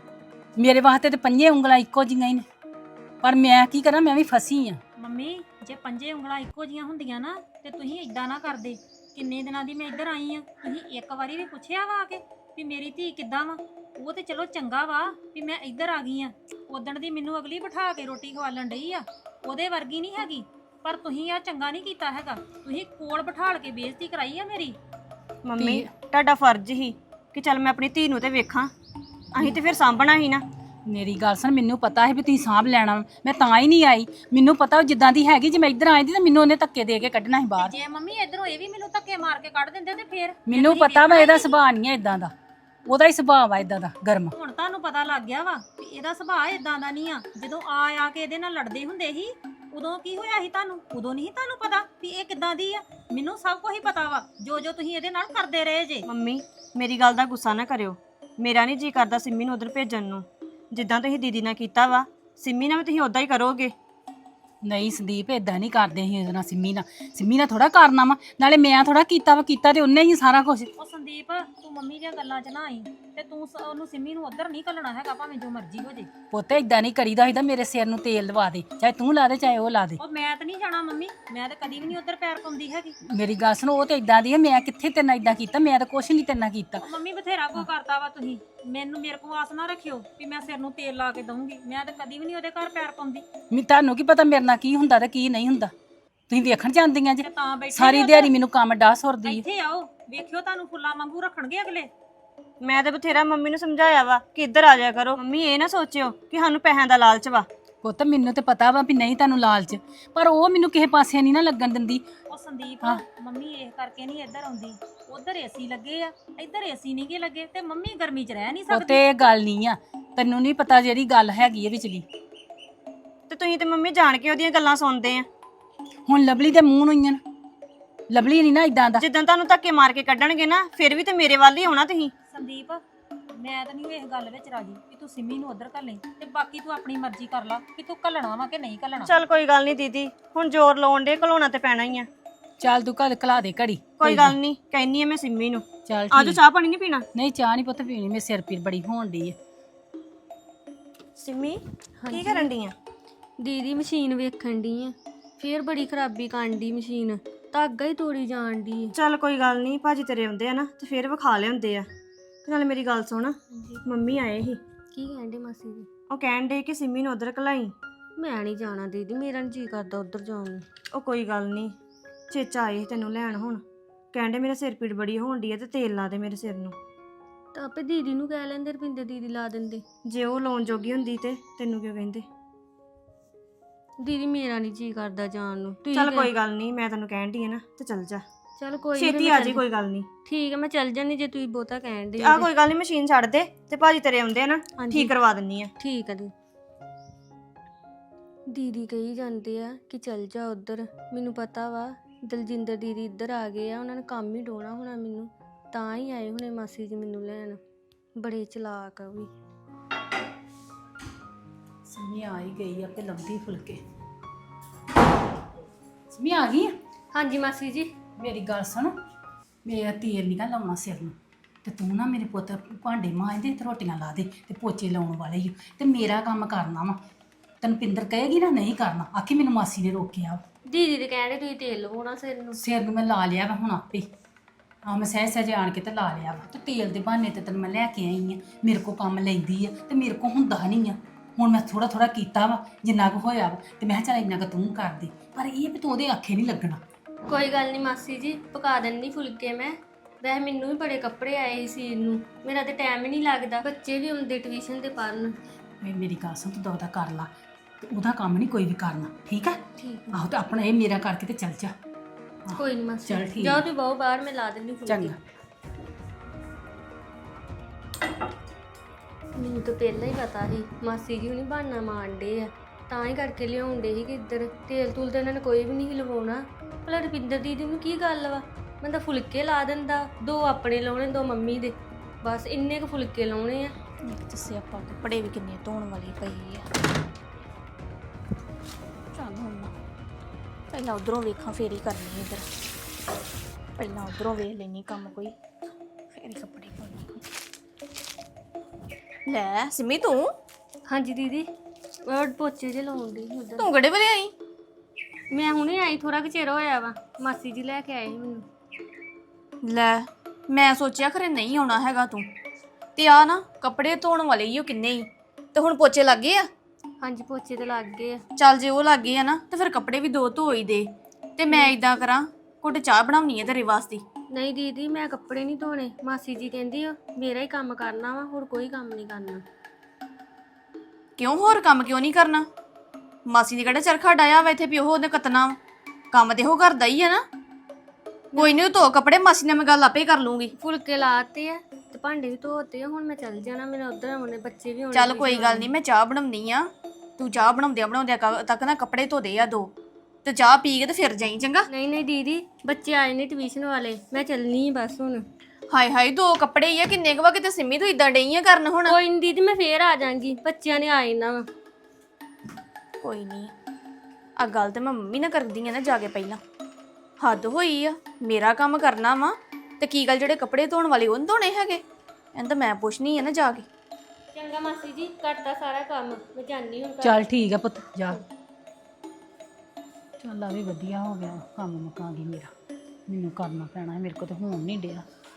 Speaker 7: ਮੇਰੇ ਵਾਸਤੇ ਤੇ ਪੰਜੇ ਉਂਗਲਾਂ ਇੱਕੋ ਜਿਹੀਆਂ ਹੀ ਨੇ, ਪਰ ਮੈਂ ਕੀ ਕਰਾਂ, ਮੈਂ ਵੀ ਫਸੀ ਆ।
Speaker 5: ਮੰਮੀ ਜੇ ਪੰਜੇ ਉਂਗਲਾਂ ਇੱਕੋ ਜੀਆਂ ਹੁੰਦੀਆਂ ਨਾ ਤੇ ਤੁਸੀਂ ਇਦਾਂ ਨਾ ਕਰਦੇ। ਕਿੰਨੇ ਦਿਨਾਂ ਦੀ ਮੈਂ ਇੱਧਰ ਆਈ ਆ, ਤੁਸੀਂ ਇੱਕ ਵਾਰੀ ਵੀ ਪੁੱਛਿਆ ਵਾ ਆ ਕੇ ਵੀ ਮੇਰੀ ਧੀ ਕਿੱਦਾਂ ਵਾ? ਉਹ ਤੇ ਚਲੋ ਚੰਗਾ ਵਾ ਵੀ ਮੈਂ ਇੱਧਰ ਆ ਗਈ ਆ। ਉਦਣ ਦੀ ਮੈਨੂੰ ਅਗਲੀ ਬਿਠਾ ਕੇ ਰੋਟੀ ਖਵਾਲਣ ਡਈ ਆ, ਉਹਦੇ ਵਰਗੀ ਨਹੀਂ ਹੈਗੀ। ਪਰ ਤੁਸੀਂ ਆ ਚੰਗਾ ਨਹੀਂ ਕੀਤਾ ਹੈਗਾ, ਤੁਸੀਂ ਕੋਲ ਬਿਠਾਲ ਕੇ ਬੇਇੱਜ਼ਤੀ ਕਰਾਈ ਆ ਮੇਰੀ।
Speaker 6: ਮੰਮੀ ਤੁਹਾਡਾ ਫਰਜ਼ ਹੀ ਕਿ ਚੱਲ ਮੈਂ ਆਪਣੀ ਧੀ ਨੂੰ ਤੇ ਵੇਖਾਂ, ਅਸੀਂ ਤੇ ਫਿਰ ਸਾਂਭਣਾ ਹੀ ਨਾ।
Speaker 7: ਮੇਰੀ ਗੱਲ ਸੁਣ, ਮੈਨੂੰ ਪਤਾ ਹੈ ਵੀ ਤੁਸੀਂ ਸਾਂਭ ਲੈਣਾ ਵਾ, ਮੈਂ ਤਾਂ ਹੀ ਨਹੀਂ ਆਈ। ਮੈਨੂੰ ਪਤਾ ਉਹ ਜਿੱਦਾਂ ਦੀ ਹੈਗੀ, ਜੇ ਮੈਂ ਇੱਧਰ ਆਈ ਦੀ ਤਾਂ ਮੈਨੂੰ ਉਹਨੇ ਧੱਕੇ ਦੇ ਕੇ ਕੱਢਣਾ ਸੀ ਬਾਹਰ।
Speaker 5: ਜੇ ਮੰਮੀ ਇਧਰੋਂ ਇਹ ਵੀ ਮੈਨੂੰ ਧੱਕੇ ਮਾਰ ਕੇ ਕੱਢ ਦਿੰਦੇ ਤੇ ਫੇਰ
Speaker 7: ਮੈਨੂੰ ਪਤਾ ਵਾ ਇਹਦਾ ਸੁਭਾਅ ਨਹੀਂ ਹੈ ਇਦਾਂ ਦਾ, ਉਹਦਾ ਹੀ ਸੁਭਾਅ ਵਾ ਇਦਾਂ ਦਾ ਗਰਮ।
Speaker 5: ਹੁਣ ਤੁਹਾਨੂੰ ਪਤਾ ਲੱਗ ਗਿਆ ਵਾ ਵੀ ਇਹਦਾ ਸੁਭਾਅ ਇਦਾਂ ਦਾ ਨਹੀਂ ਆ। ਜਦੋਂ ਆ ਕੇ ਇਹਦੇ ਨਾਲ ਲੜਦੇ ਹੁੰਦੇ ਸੀ ਉਦੋਂ ਕੀ ਹੋਇਆ ਸੀ ਤੁਹਾਨੂੰ? ਉਦੋਂ ਨਹੀਂ ਤੁਹਾਨੂੰ ਪਤਾ ਵੀ ਇਹ ਕਿੱਦਾਂ ਦੀ ਆ? ਮੈਨੂੰ ਸਭ ਕੁਝ ਹੀ ਪਤਾ ਵਾ, ਜੋ ਤੁਸੀਂ ਇਹਦੇ ਨਾਲ ਕਰਦੇ ਰਹੇ ਜੇ।
Speaker 6: ਮੰਮੀ ਮੇਰੀ ਗੱਲ ਦਾ ਗੁੱਸਾ ਨਾ ਕਰਿਓ, ਮੇਰਾ ਨਹੀਂ ਜੀ ਕਰਦਾ ਸਿੰਮੀ ਨੂੰ ਉਧਰ ਭੇਜਣ ਨੂੰ। ਜਿੱਦਾਂ ਤੁਸੀਂ ਦੀਦੀ ਨਾਲ ਕੀਤਾ ਵਾ ਸਿੰਮੀ ਨਾਲ ਵੀ ਤੁਸੀਂ ਉਦਾਂ ਹੀ ਕਰੋਗੇ।
Speaker 7: ਨਹੀਂ ਸੰਦੀਪ ਇਦਾਂ ਨਹੀਂ ਕਰਦੇ ਸੀ ਉਹਦੇ ਨਾਲ, ਸਿੰਮੀ ਨਾਲ ਥੋੜਾ ਕਰਨਾ ਵਾ। ਨਾਲੇ ਮੈਂ ਥੋੜਾ ਕੀਤਾ ਵਾ, ਕੀਤਾ ਤੇ ਉਹਨੇ ਹੀ ਸਾਰਾ ਕੁਝ।
Speaker 5: ਉਹ ਸੰਦੀਪ ਤੂੰ ਮੰਮੀ ਦੀਆਂ ਗੱਲਾਂ 'ਚ ਨਾ ਆਈ ਤੇ ਤੂੰ ਉਹਨੂੰ ਸਿੰਮੀ ਨੂੰ ਉਧਰ ਨਹੀਂ ਘੱਲਣਾ ਹੈਗਾ, ਭਾਵੇਂ ਜੋ ਮਰਜ਼ੀ ਹੋ ਜੇ।
Speaker 7: ਪੁੱਤ ਇਦਾਂ ਨਹੀਂ ਕਰੀਦਾ ਹੁੰਦਾ। ਮੇਰੇ ਸਿਰ ਨੂੰ ਤੇਲ ਲਵਾ ਦੇ, ਚਾਹੇ ਤੂੰ ਲਾ ਦੇ ਚਾਹੇ ਉਹ ਲਾ ਦੇ।
Speaker 5: ਉਹ ਮੈਂ ਤਾਂ ਨਹੀਂ ਜਾਣਾ ਮੰਮੀ, ਮੈਂ ਤਾਂ ਕਦੀ ਵੀ ਨਹੀਂ ਉਧਰ ਪੈਰ ਪਾਉਂਦੀ ਹੈਗੀ।
Speaker 7: ਮੇਰੀ ਗੱਲ ਸੁਣ, ਉਹ ਤੇ ਇਦਾਂ ਦੀ ਹੈ, ਮੈਂ ਕਿੱਥੇ ਤੇਰੇ ਨਾਲ ਇਦਾਂ ਕੀਤਾ? ਮੈਂ ਤਾਂ ਕੁਛ ਨਹੀਂ ਤੇਰੇ ਨਾਲ ਕੀਤਾ।
Speaker 5: ਉਹ ਮੰਮੀ ਬਥੇਰਾ ਕੋ ਕਰਤਾ ਵਾ ਤੁਸੀਂ। ਮੇਰੇ ਕੋਲ ਆਸ ਨਾ ਰੱਖਿਓ ਵੀ ਮੈਂ ਸਿਰ ਨੂੰ ਤੇਲ ਲਾ ਕੇ ਦਊਂਗੀ। ਮੈਂ ਤਾਂ ਕਦੀ ਵੀ ਨਹੀਂ ਉਹਦੇ ਘਰ ਪੈਰ ਪਾਉਂਦੀ।
Speaker 7: ਤੁਹਾਨੂੰ ਕੀ ਪਤਾ ਮੇਰੇ ਨਾਲ ਕੀ ਹੁੰਦਾ ਤੇ ਕੀ ਨਹੀਂ ਹੁੰਦਾ? ਤੁਸੀਂ ਵੇਖਣ ਜਾਂਦੀਆਂ ਜੇ।
Speaker 5: ਤੇ ਤਾਂ ਬੈਠੀ
Speaker 7: ਸਾਰੀ
Speaker 5: ਆ
Speaker 7: ਦਿਹਾੜੀ ਮੈਨੂੰ ਕੰਮ ਡਾਹ ਸੁਰਦੀ।
Speaker 5: ਇੱਥੇ ਆਓ ਵੇਖਿਓ, ਤੁਹਾਨੂੰ ਫੁੱਲਾਂ ਵਾਂਗੂ ਰੱਖਣਗੇ ਅਗਲੇ।
Speaker 6: ਮੈਂ ਤੇ ਬਥੇਰਾ ਮੰਮੀ ਨੂੰ ਸਮਝਾਇਆ ਵਾ ਕਿ ਇੱਧਰ ਆ ਜਾਇਆ ਕਰੋ। ਮੰਮੀ ਇਹ ਨਾ ਸੋਚਿਓ ਕਿ ਸਾਨੂੰ ਪੈਸਿਆਂ ਦਾ ਲਾਲਚ ਵਾ।
Speaker 7: ਪੁੱਤ ਮੈਨੂੰ ਤੇ ਪਤਾ ਵਾ ਵੀ ਨਹੀਂ ਤੁਹਾਨੂੰ ਲਾਲਚ, ਪਰ ਉਹ ਮੈਨੂੰ ਕਿਸੇ ਪਾਸੇ ਨਹੀਂ ਨਾ ਲੱਗਣ ਦਿੰਦੀ।
Speaker 5: ਉਹ ਸੰਦੀਪ ਮੰਮੀ ਇਹ ਕਰਕੇ ਨਹੀਂ ਇੱਧਰ ਆਉਂਦੀ। ਉਧਰ ਏਸੀ ਲੱਗੇ ਆ, ਇੱਧਰ ਏਸੀ ਨਹੀਂ ਗੇ ਲੱਗੇ ਤੇ ਮੰਮੀ ਗਰਮੀ 'ਚ ਰਹਿ ਨਹੀਂ
Speaker 7: ਉਹ
Speaker 5: ਸਕਦੀ।
Speaker 7: ਤੇ ਇਹ ਗੱਲ ਨਹੀਂ ਆ, ਤੈਨੂੰ ਨਹੀਂ ਪਤਾ ਜਿਹੜੀ ਗੱਲ ਹੈਗੀ ਹੈ ਵਿਚਲੀ।
Speaker 6: ਤੇ ਤੁਸੀਂ ਤੇ ਮੰਮੀ ਜਾਣ ਕੇ ਉਹਦੀਆਂ ਗੱਲਾਂ ਸੁਣਦੇ ਆ।
Speaker 7: ਹੁਣ ਲਵਲੀ ਦੇ ਮੂੰਹ ਨੂੰ ਹੀ ਆ, ਲਵਲੀ ਨਹੀਂ ਨਾ ਇਦਾਂ ਦਾ।
Speaker 6: ਜਿੱਦਾਂ ਤੁਹਾਨੂੰ ਧੱਕੇ ਮਾਰ ਕੇ ਕੱਢਣਗੇ ਨਾ ਫਿਰ ਵੀ ਤੇ ਮੇਰੇ ਵੱਲ ਹੀ ਆਉਣਾ ਤੁਸੀਂ।
Speaker 5: ਸੰਦੀਪ ਮੈਂ ਤਾਂ ਨਹੀਂ ਇਸ ਗੱਲ ਵਿੱਚ ਰਾਜੀ ਕਿ ਤੂੰ ਸਿੰਮੀ ਨੂੰ ਉਧਰ ਘੱਲੇ, ਤੇ ਬਾਕੀ ਤੂੰ ਆਪਣੀ ਮਰਜ਼ੀ ਕਰ ਲਾ ਕਿ ਤੂੰ ਘੱਲਣਾ ਵਾ ਕਿ ਨਹੀਂ ਘੱਲਣਾ।
Speaker 6: ਚੱਲ ਕੋਈ ਗੱਲ ਨਹੀਂ ਦੀਦੀ, ਹੁਣ ਜ਼ੋਰ ਲਾਉਣ ਦੇ ਘਲਾਉਣਾ ਤੇ ਪੈਣਾ ਹੀ ਆ।
Speaker 7: ਚੱਲ ਤੂੰ ਘਰ ਘਲਾ ਦੇ ਘੜੀ।
Speaker 6: ਕੋਈ ਗੱਲ ਨਹੀਂ, ਕਹਿੰਨੀ ਆ ਮੈਂ ਸਿੰਮੀ ਨੂੰ।
Speaker 7: ਚੱਲ
Speaker 6: ਆਜੋ
Speaker 7: ਠੀਕ।
Speaker 6: ਚਾਹ ਪਾਣੀ ਨਹੀਂ ਪੀਣਾ?
Speaker 7: ਨਹੀਂ ਚਾਹ ਨਹੀਂ ਪੁੱਤ ਪੀਣੀ, ਮੇਰੇ ਸਿਰ ਪੀੜ ਬੜੀ ਹੋਣ ਡਈ ਹੈ।
Speaker 6: ਸਿੰਮੀ ਕੀ ਕਰਨ ਡਈ ਆ?
Speaker 3: ਦੀਦੀ ਮਸ਼ੀਨ ਵੇਖਣ ਦੀ ਆ, ਫੇਰ ਬੜੀ ਖਰਾਬੀ ਕਰਨ ਦੀ ਮਸ਼ੀਨ, ਧਾਗਾ ਹੀ ਤੋੜੀ ਜਾਣ ਦੀ।
Speaker 6: ਚੱਲ ਕੋਈ ਗੱਲ ਨਹੀਂ, ਭਾਜੀ ਤੇਰੇ ਆਉਂਦੇ ਆ ਨਾ ਤੇ ਫੇਰ ਵਿਖਾ ਲਿਆਉਂਦੇ ਆ। ਤੇ ਨਾਲੇ ਮੇਰੀ ਗੱਲ ਸੁਣ, ਮੰਮੀ ਆਏ ਸੀ,
Speaker 3: ਕੀ ਕਹਿੰਦੇ ਮਾਸੀ ਜੀ?
Speaker 6: ਉਹ ਕਹਿਣ ਡੇ ਕਿ ਸਿੰਮੀ ਨੂੰ ਉਧਰ ਘਲਾਈ।
Speaker 3: ਮੈਂ ਨਹੀਂ ਜਾਣਾ ਦੀਦੀ, ਮੇਰਾ ਨੀ ਜੀ ਕਰਦਾ ਉਧਰ ਜਾਣ ਨੂੰ।
Speaker 6: ਉਹ ਕੋਈ ਗੱਲ ਨਹੀਂ, ਚੇਚਾ ਆਏ ਸੀ ਤੈਨੂੰ ਲੈਣ। ਹੁਣ ਕਹਿੰਦੇ ਮੇਰਾ ਸਿਰ ਪੀੜ ਬੜੀ ਹੋਣ ਡਈ ਆ ਤੇ ਤੇਲ ਲਾ ਦੇ ਮੇਰੇ ਸਿਰ ਨੂੰ।
Speaker 3: ਤਾਂ ਆਪੇ ਦੀਦੀ ਨੂੰ ਕਹਿ ਲੈਂਦੇ, ਰਪਿੰਦਰ ਦੀਦੀ ਲਾ ਦਿੰਦੇ।
Speaker 6: ਜੇ ਉਹ ਲਾਉਣ ਜੋਗੀ ਹੁੰਦੀ ਤੇ ਤੈਨੂੰ ਕਿਉਂ ਕਹਿੰਦੇ?
Speaker 3: ਦੀਦੀ ਮੇਰਾ ਨਹੀਂ ਜੀ ਕਰਦਾ ਜਾਣ ਨੂੰ। ਤੁਸੀਂ
Speaker 6: ਚੱਲ ਕੋਈ ਗੱਲ ਨਹੀਂ, ਮੈਂ ਤੈਨੂੰ ਕਹਿਣ ਡਈ ਆ ਨਾ ਤੇ ਚੱਲ ਜਾ,
Speaker 3: ਚੱਲ ਕੋਈ ਨੀ,
Speaker 6: ਛੇਤੀ
Speaker 3: ਮੈਂ
Speaker 6: ਆ
Speaker 3: ਚੱਲ-
Speaker 6: ਜੀ। ਕੋਈ ਗੱਲ ਨਹੀਂ,
Speaker 3: ਠੀਕ ਹੈ ਮੈਂ ਚੱਲ ਜਾਨੀ ਜੇ ਤੁਸੀਂ ਬਹੁਤਾ ਕਹਿਣ ਦੇ।
Speaker 6: ਆ ਕੋਈ ਗੱਲ ਨਹੀਂ, ਮਸ਼ੀਨ ਛੱਡ ਦੇ ਤੇ ਭਾਜੀ ਤੇਰੇ ਆਉਂਦੇ ਆ ਨਾ,
Speaker 3: ਹਾਂਜੀ।
Speaker 6: ਠੀਕ ਕਰਵਾ ਦਿੰਨੀ ਆ।
Speaker 3: ਠੀਕ ਹੈ ਦੀਦੀ ਕਹੀ ਜਾਂਦੇ ਆ ਕਿ ਚੱਲ ਜਾ ਉਧਰ। ਮੈਨੂੰ ਪਤਾ ਵਾ ਦਲਜਿੰਦਰ ਦੀਦੀ ਇੱਧਰ ਆ ਗਏ ਆ, ਉਹਨਾਂ ਨੇ ਕੰਮ ਹੀ ਡੋਣਾ ਹੋਣਾ ਮੈਨੂੰ, ਤਾਂ ਹੀ ਆਏ ਹੁਣੇ ਮਾਸੀ ਜੀ ਮੈਨੂੰ ਲੈਣ। ਬੜੇ ਚਲਾਕ ਆ ਉਹ ਵੀ।
Speaker 7: ਸਮੀ ਆ ਹੀ ਗਈ ਆ ਤੇ ਲੰਬੀ ਫੁਲਕੇ। ਸਮੀ ਆ ਗਈ ਆ?
Speaker 3: ਹਾਂਜੀ ਮਾਸੀ ਜੀ।
Speaker 7: ਮੇਰੀ ਗੱਲ ਸੁਣ, ਮੇਰਾ ਤੇਲ ਨਹੀਂ ਗਾ ਲਾਉਣਾ ਸਿਰ ਨੂੰ। ਤੇ ਤੂੰ ਨਾ ਮੇਰੇ ਪੁੱਤ ਭਾਂਡੇ ਮਾਂਜਦੇ ਤੇ ਰੋਟੀਆਂ ਲਾ ਦੇ ਤੇ ਪੋਚੇ ਲਾਉਣ ਵਾਲੇ ਹੀ ਤੇ ਮੇਰਾ ਕੰਮ ਕਰਨਾ ਵਾ। ਤੈਨੂੰ ਪਿੰਦਰ ਕਹੇਗੀ ਨਾ ਨਹੀਂ ਕਰਨਾ, ਆਖੀ ਮੈਨੂੰ ਮਾਸੀ ਨੇ ਰੋਕਿਆ।
Speaker 3: ਦੀਦੀ ਦੇ ਕਹਿਣੇ ਤੁਸੀਂ ਤੇਲ ਲਵਾਉਣਾ ਸਿਰ ਨੂੰ।
Speaker 7: ਸਿਰ ਨੂੰ ਮੈਂ ਲਾ ਲਿਆ ਵਾ ਹੁਣ ਆਪੇ। ਮੈਂ ਸਹਿ ਸਹਿਜ ਆਣ ਕੇ ਤੇ ਲਾ ਲਿਆ ਵਾ। ਤੇ ਤੇਲ ਦੇ ਬਹਾਨੇ ਤੇ ਤੈਨੂੰ ਮੈਂ ਲੈ ਕੇ ਆਈ ਆ, ਮੇਰੇ ਕੋ ਕੰਮ ਲੈਂਦੀ ਆ ਤੇ ਮੇਰੇ ਕੋ ਹੁੰਦਾ ਨਹੀਂ ਆ। ਹੁਣ ਮੈਂ ਥੋੜਾ ਥੋੜਾ ਕੀਤਾ ਵਾ ਜਿੰਨਾ ਕੁ ਹੋਇਆ ਵਾ ਤੇ ਮੈਂ ਕਿਹਾ ਚੱਲ ਇੰਨਾ ਕੁ ਤੂੰ ਕਰ ਦੇ, ਪਰ ਇਹ ਵੀ ਤੂੰ ਉਹਦੇ ਆਖੇ ਨਹੀਂ ਲੱਗਣਾ।
Speaker 3: ਕੋਈ ਗੱਲ ਨਹੀਂ ਮਾਸੀ ਜੀ, ਪਕਾ ਦਿੰਦੀ ਫੁਲਕੇ ਮੈਂ। ਵੈਸੇ ਮੈਨੂੰ ਵੀ ਬੜੇ ਕੱਪੜੇ ਆਏ ਸੀ ਸੀਨ ਨੂੰ, ਮੇਰਾ ਤੇ ਟਾਈਮ ਹੀ ਨਹੀਂ ਲੱਗਦਾ। ਬੱਚੇ ਵੀ ਆਉਂਦੇ ਟਿਊਸ਼ਨ ਤੇ ਪੜ੍ਹਨ।
Speaker 7: ਮੇਰੀ ਗੱਲ ਸੁਣ, ਤੂੰ ਉਹਦਾ ਕਰ ਲਾ ਤੇ ਉਹਦਾ ਕੰਮ ਨਹੀਂ ਕੋਈ ਵੀ ਕਰਨਾ, ਠੀਕ ਹੈ?
Speaker 3: ਠੀਕ
Speaker 7: ਆਹੋ ਤੇ ਆਪਣਾ ਇਹ ਮੇਰਾ ਕਰਕੇ ਤੇ ਚੱਲ ਜਾ।
Speaker 3: ਕੋਈ ਨਹੀਂ ਮਾਸੀ,
Speaker 7: ਚੱਲ ਠੀਕ
Speaker 3: ਜਾਓ ਤੁਸੀਂ ਬਹੁ ਬਾਹਰ, ਮੈਂ ਲਾ ਦਿੰਦੀ ਫੁਲਕੇ।
Speaker 7: ਚੰਗਾ।
Speaker 3: ਮੈਨੂੰ ਤਾਂ ਪਹਿਲਾਂ ਹੀ ਪਤਾ ਸੀ ਮਾਸੀ ਜੀ ਹੁਣੀ ਬਹਾਨਾ ਮਾਰਦੇ ਆ, ਤਾਂ ਹੀ ਕਰਕੇ ਲਿਆਉਂਦੇ ਸੀ ਕਿ ਇੱਧਰ ਤੇਲ ਤੂਲ ਤਾਂ ਇਹਨਾਂ ਨੇ ਕੋਈ ਵੀ ਨਹੀਂ ਲਵਾਉਣਾ। ਭਲਾ ਰੁਪਿੰਦਰ ਦੀਦੀ ਨੂੰ ਕੀ ਗੱਲ ਵਾ, ਮੈਂ ਤਾਂ ਫੁਲਕੇ ਲਾ ਦਿੰਦਾ, 2 ਆਪਣੇ ਲਾਉਣੇ 2 ਮੰਮੀ ਦੇ, ਬਸ ਇੰਨੇ ਕੁ ਫੁਲਕੇ ਲਾਉਣੇ ਆ।
Speaker 4: ਇੱਕ ਦੱਸੇ ਆਪਾਂ ਕੱਪੜੇ ਵੀ ਕਿੰਨੇ ਧੋਣ ਵਾਲੇ ਪਏ ਆ। ਚੱਲ ਹੁਣ ਮੈਂ ਪਹਿਲਾਂ ਉਧਰੋਂ ਵੇਖਾਂ, ਫੇਰ ਹੀ ਕਰਨੀ ਇੱਧਰ। ਪਹਿਲਾਂ ਉਧਰੋਂ ਵੇਖ ਲੈਣੀ ਕੰਮ ਕੋਈ, ਫੇਰ ਹੀ ਕੱਪੜੇ ਪਾਉਣੇ। ਲੈ ਸਿਮੀ ਤੂੰ
Speaker 3: ਹਾਂਜੀ ਦੀਦੀ, ਉਹ ਪੋਚੇ ਜੇ ਲਾਉਂਦੇ ਸੀ ਉੱਧਰ।
Speaker 4: ਤੂੰ ਕਿਹੜੇ ਵੇਲੇ ਆਈ?
Speaker 3: ਮੈਂ ਹੁਣੇ ਆਈ, ਥੋੜਾ ਕੁ ਚਿਰ ਹੋਇਆ ਵਾ, ਮਾਸੀ ਜੀ ਲੈ ਕੇ ਆਏ ਸੀ ਮੈਨੂੰ।
Speaker 4: ਲੈ ਮੈਂ ਸੋਚਿਆ ਖਰੇ ਨਹੀਂ ਆਉਣਾ ਹੈਗਾ ਤੂੰ, ਤੇ ਆ ਨਾ ਕੱਪੜੇ ਧੋਣ ਵਾਲੇ ਹੀ ਉਹ ਕਿੰਨੇ ਹੀ, ਤੇ ਹੁਣ ਪੋਚੇ ਲੱਗ ਗਏ ਆ।
Speaker 3: ਹਾਂਜੀ ਪੋਚੇ ਤੇ ਲੱਗ ਗਏ ਆ।
Speaker 4: ਚੱਲ ਜੇ ਉਹ ਲੱਗ ਗਏ ਆ ਨਾ ਤੇ ਫਿਰ ਕੱਪੜੇ ਵੀ 2 ਧੋ ਹੀ ਦੇ, ਤੇ ਮੈਂ ਇਦਾਂ ਕਰਾਂ ਘੁੱਟ ਚਾਹ ਬਣਾਉਣੀ ਹੈ ਤੇਰੇ ਵਾਸਤੇ।
Speaker 3: ਨਹੀਂ ਦੀਦੀ, ਮੈਂ ਕੱਪੜੇ ਨਹੀਂ ਧੋਣੇ, ਮਾਸੀ ਜੀ ਕਹਿੰਦੀ ਆ ਮੇਰਾ ਹੀ ਕੰਮ ਕਰਨਾ ਵਾ, ਹੋਰ ਕੋਈ ਕੰਮ ਨਹੀਂ ਕਰਨਾ।
Speaker 4: ਕਿਉਂ ਹੋਰ ਕੰਮ ਕਿਉਂ ਨਹੀਂ ਕਰਨਾ? ਮਾਸੀ ਨੇ ਕਿਹੜਾ ਚਰਖਾ ਡਾਇਆ ਵਾ ਇੱਥੇ ਵੀ ਉਹ ਉਹਨੇ ਕੱਤਣਾ ਵਾ, ਕੰਮ ਤੇ ਉਹ ਕਰਦਾ ਹੀ ਆ ਨਾ। ਕੋਈ ਨਹੀਂ ਧੋ ਕੱਪੜੇ, ਮਾਸੀ ਨਾਲ ਮੈਂ ਗੱਲ ਆਪੇ ਕਰ ਲੂੰਗੀ।
Speaker 3: ਫੁਲਕੇ ਲਾਤੇ ਆ ਤੇ ਭਾਂਡੇ ਵੀ ਧੋਤੇ ਆ, ਹੁਣ ਮੈਂ ਚੱਲ ਜਾਣਾ, ਮੇਰੇ ਉਧਰ ਆਉਣੇ ਬੱਚੇ ਵੀ ਆਉਣੇ।
Speaker 4: ਚੱਲ ਕੋਈ ਗੱਲ ਨਹੀਂ, ਮੈਂ ਚਾਹ ਬਣਾਉਣੀ ਆ, ਤੂੰ ਚਾਹ ਬਣਾਉਂਦਿਆਂ ਤੱਕ ਨਾ ਕੱਪੜੇ ਧੋ ਦੇ ਆ 2, ਤੇ ਚਾਹ ਪੀ ਕੇ ਤੇ ਫਿਰ ਜਾਈ ਚੰਗਾ।
Speaker 3: ਨਹੀਂ ਨਹੀਂ ਦੀਦੀ, ਬੱਚੇ ਆਏ ਨੇ ਟਿਊਸ਼ਨ ਵਾਲੇ, ਮੈਂ ਚੱਲਣੀ ਆ ਬਸ ਹੁਣ।
Speaker 4: ਹਾਏ ਹਾਏ 2 ਕੱਪੜੇ ਹੀ ਆ, ਕਿੰਨੇ ਕੁ ਵਾ, ਕਿਤੇ ਸਿੰਮੀ ਤੂੰ ਇਦਾਂ ਡਈ ਆ ਕਰਨ ਹੁਣ।
Speaker 3: ਕੋਈ ਨਹੀਂ ਦੀਦੀ, ਮੈਂ ਫੇਰ ਆ ਜਾਾਂਗੀ, ਬੱਚਿਆਂ ਨੇ ਆਏ ਨਾ ਵਾ।
Speaker 4: ਕੋਈ ਨਹੀਂ, ਆ ਗੱਲ ਤੇ ਮੈਂ ਮੰਮੀ ਨਾਲ ਕਰਦੀ ਆ ਨਾ ਜਾ ਕੇ ਪਹਿਲਾਂ। ਹੱਦ ਹੋਈ ਆ, ਮੇਰਾ ਕੰਮ ਕਰਨਾ ਵਾ ਤੇ ਕੀ ਗੱਲ ਜਿਹੜੇ ਕੱਪੜੇ ਧੋਣ ਵਾਲੇ ਉਹਨ ਧੋਣੇ ਹੈਗੇ? ਇਹਨਾਂ ਤਾਂ ਮੈਂ ਪੁੱਛਣੀ ਆ ਨਾ ਜਾ ਕੇ।
Speaker 3: ਚੰਗਾ ਮਾਸੀ ਜੀ, ਕਰਤਾ ਸਾਰਾ ਕੰਮ, ਮੈਂ ਜਾਣੀ ਹੁਣ ਘਰ।
Speaker 7: ਚੱਲ ਠੀਕ ਆ ਪੁੱਤ, ਜਾ। ਚੱਲ ਆ ਵੀ ਵਧੀਆ ਹੋ ਗਿਆ, ਕੰਮ ਮੁਕਾ ਗਈ ਮੇਰਾ। ਮੈਨੂੰ ਕਰਨਾ ਪੈਣਾ, ਮੇਰੇ ਕੋਲ ਤਾਂ ਹੋਣ ਨਹੀਂ ਡਿਆ।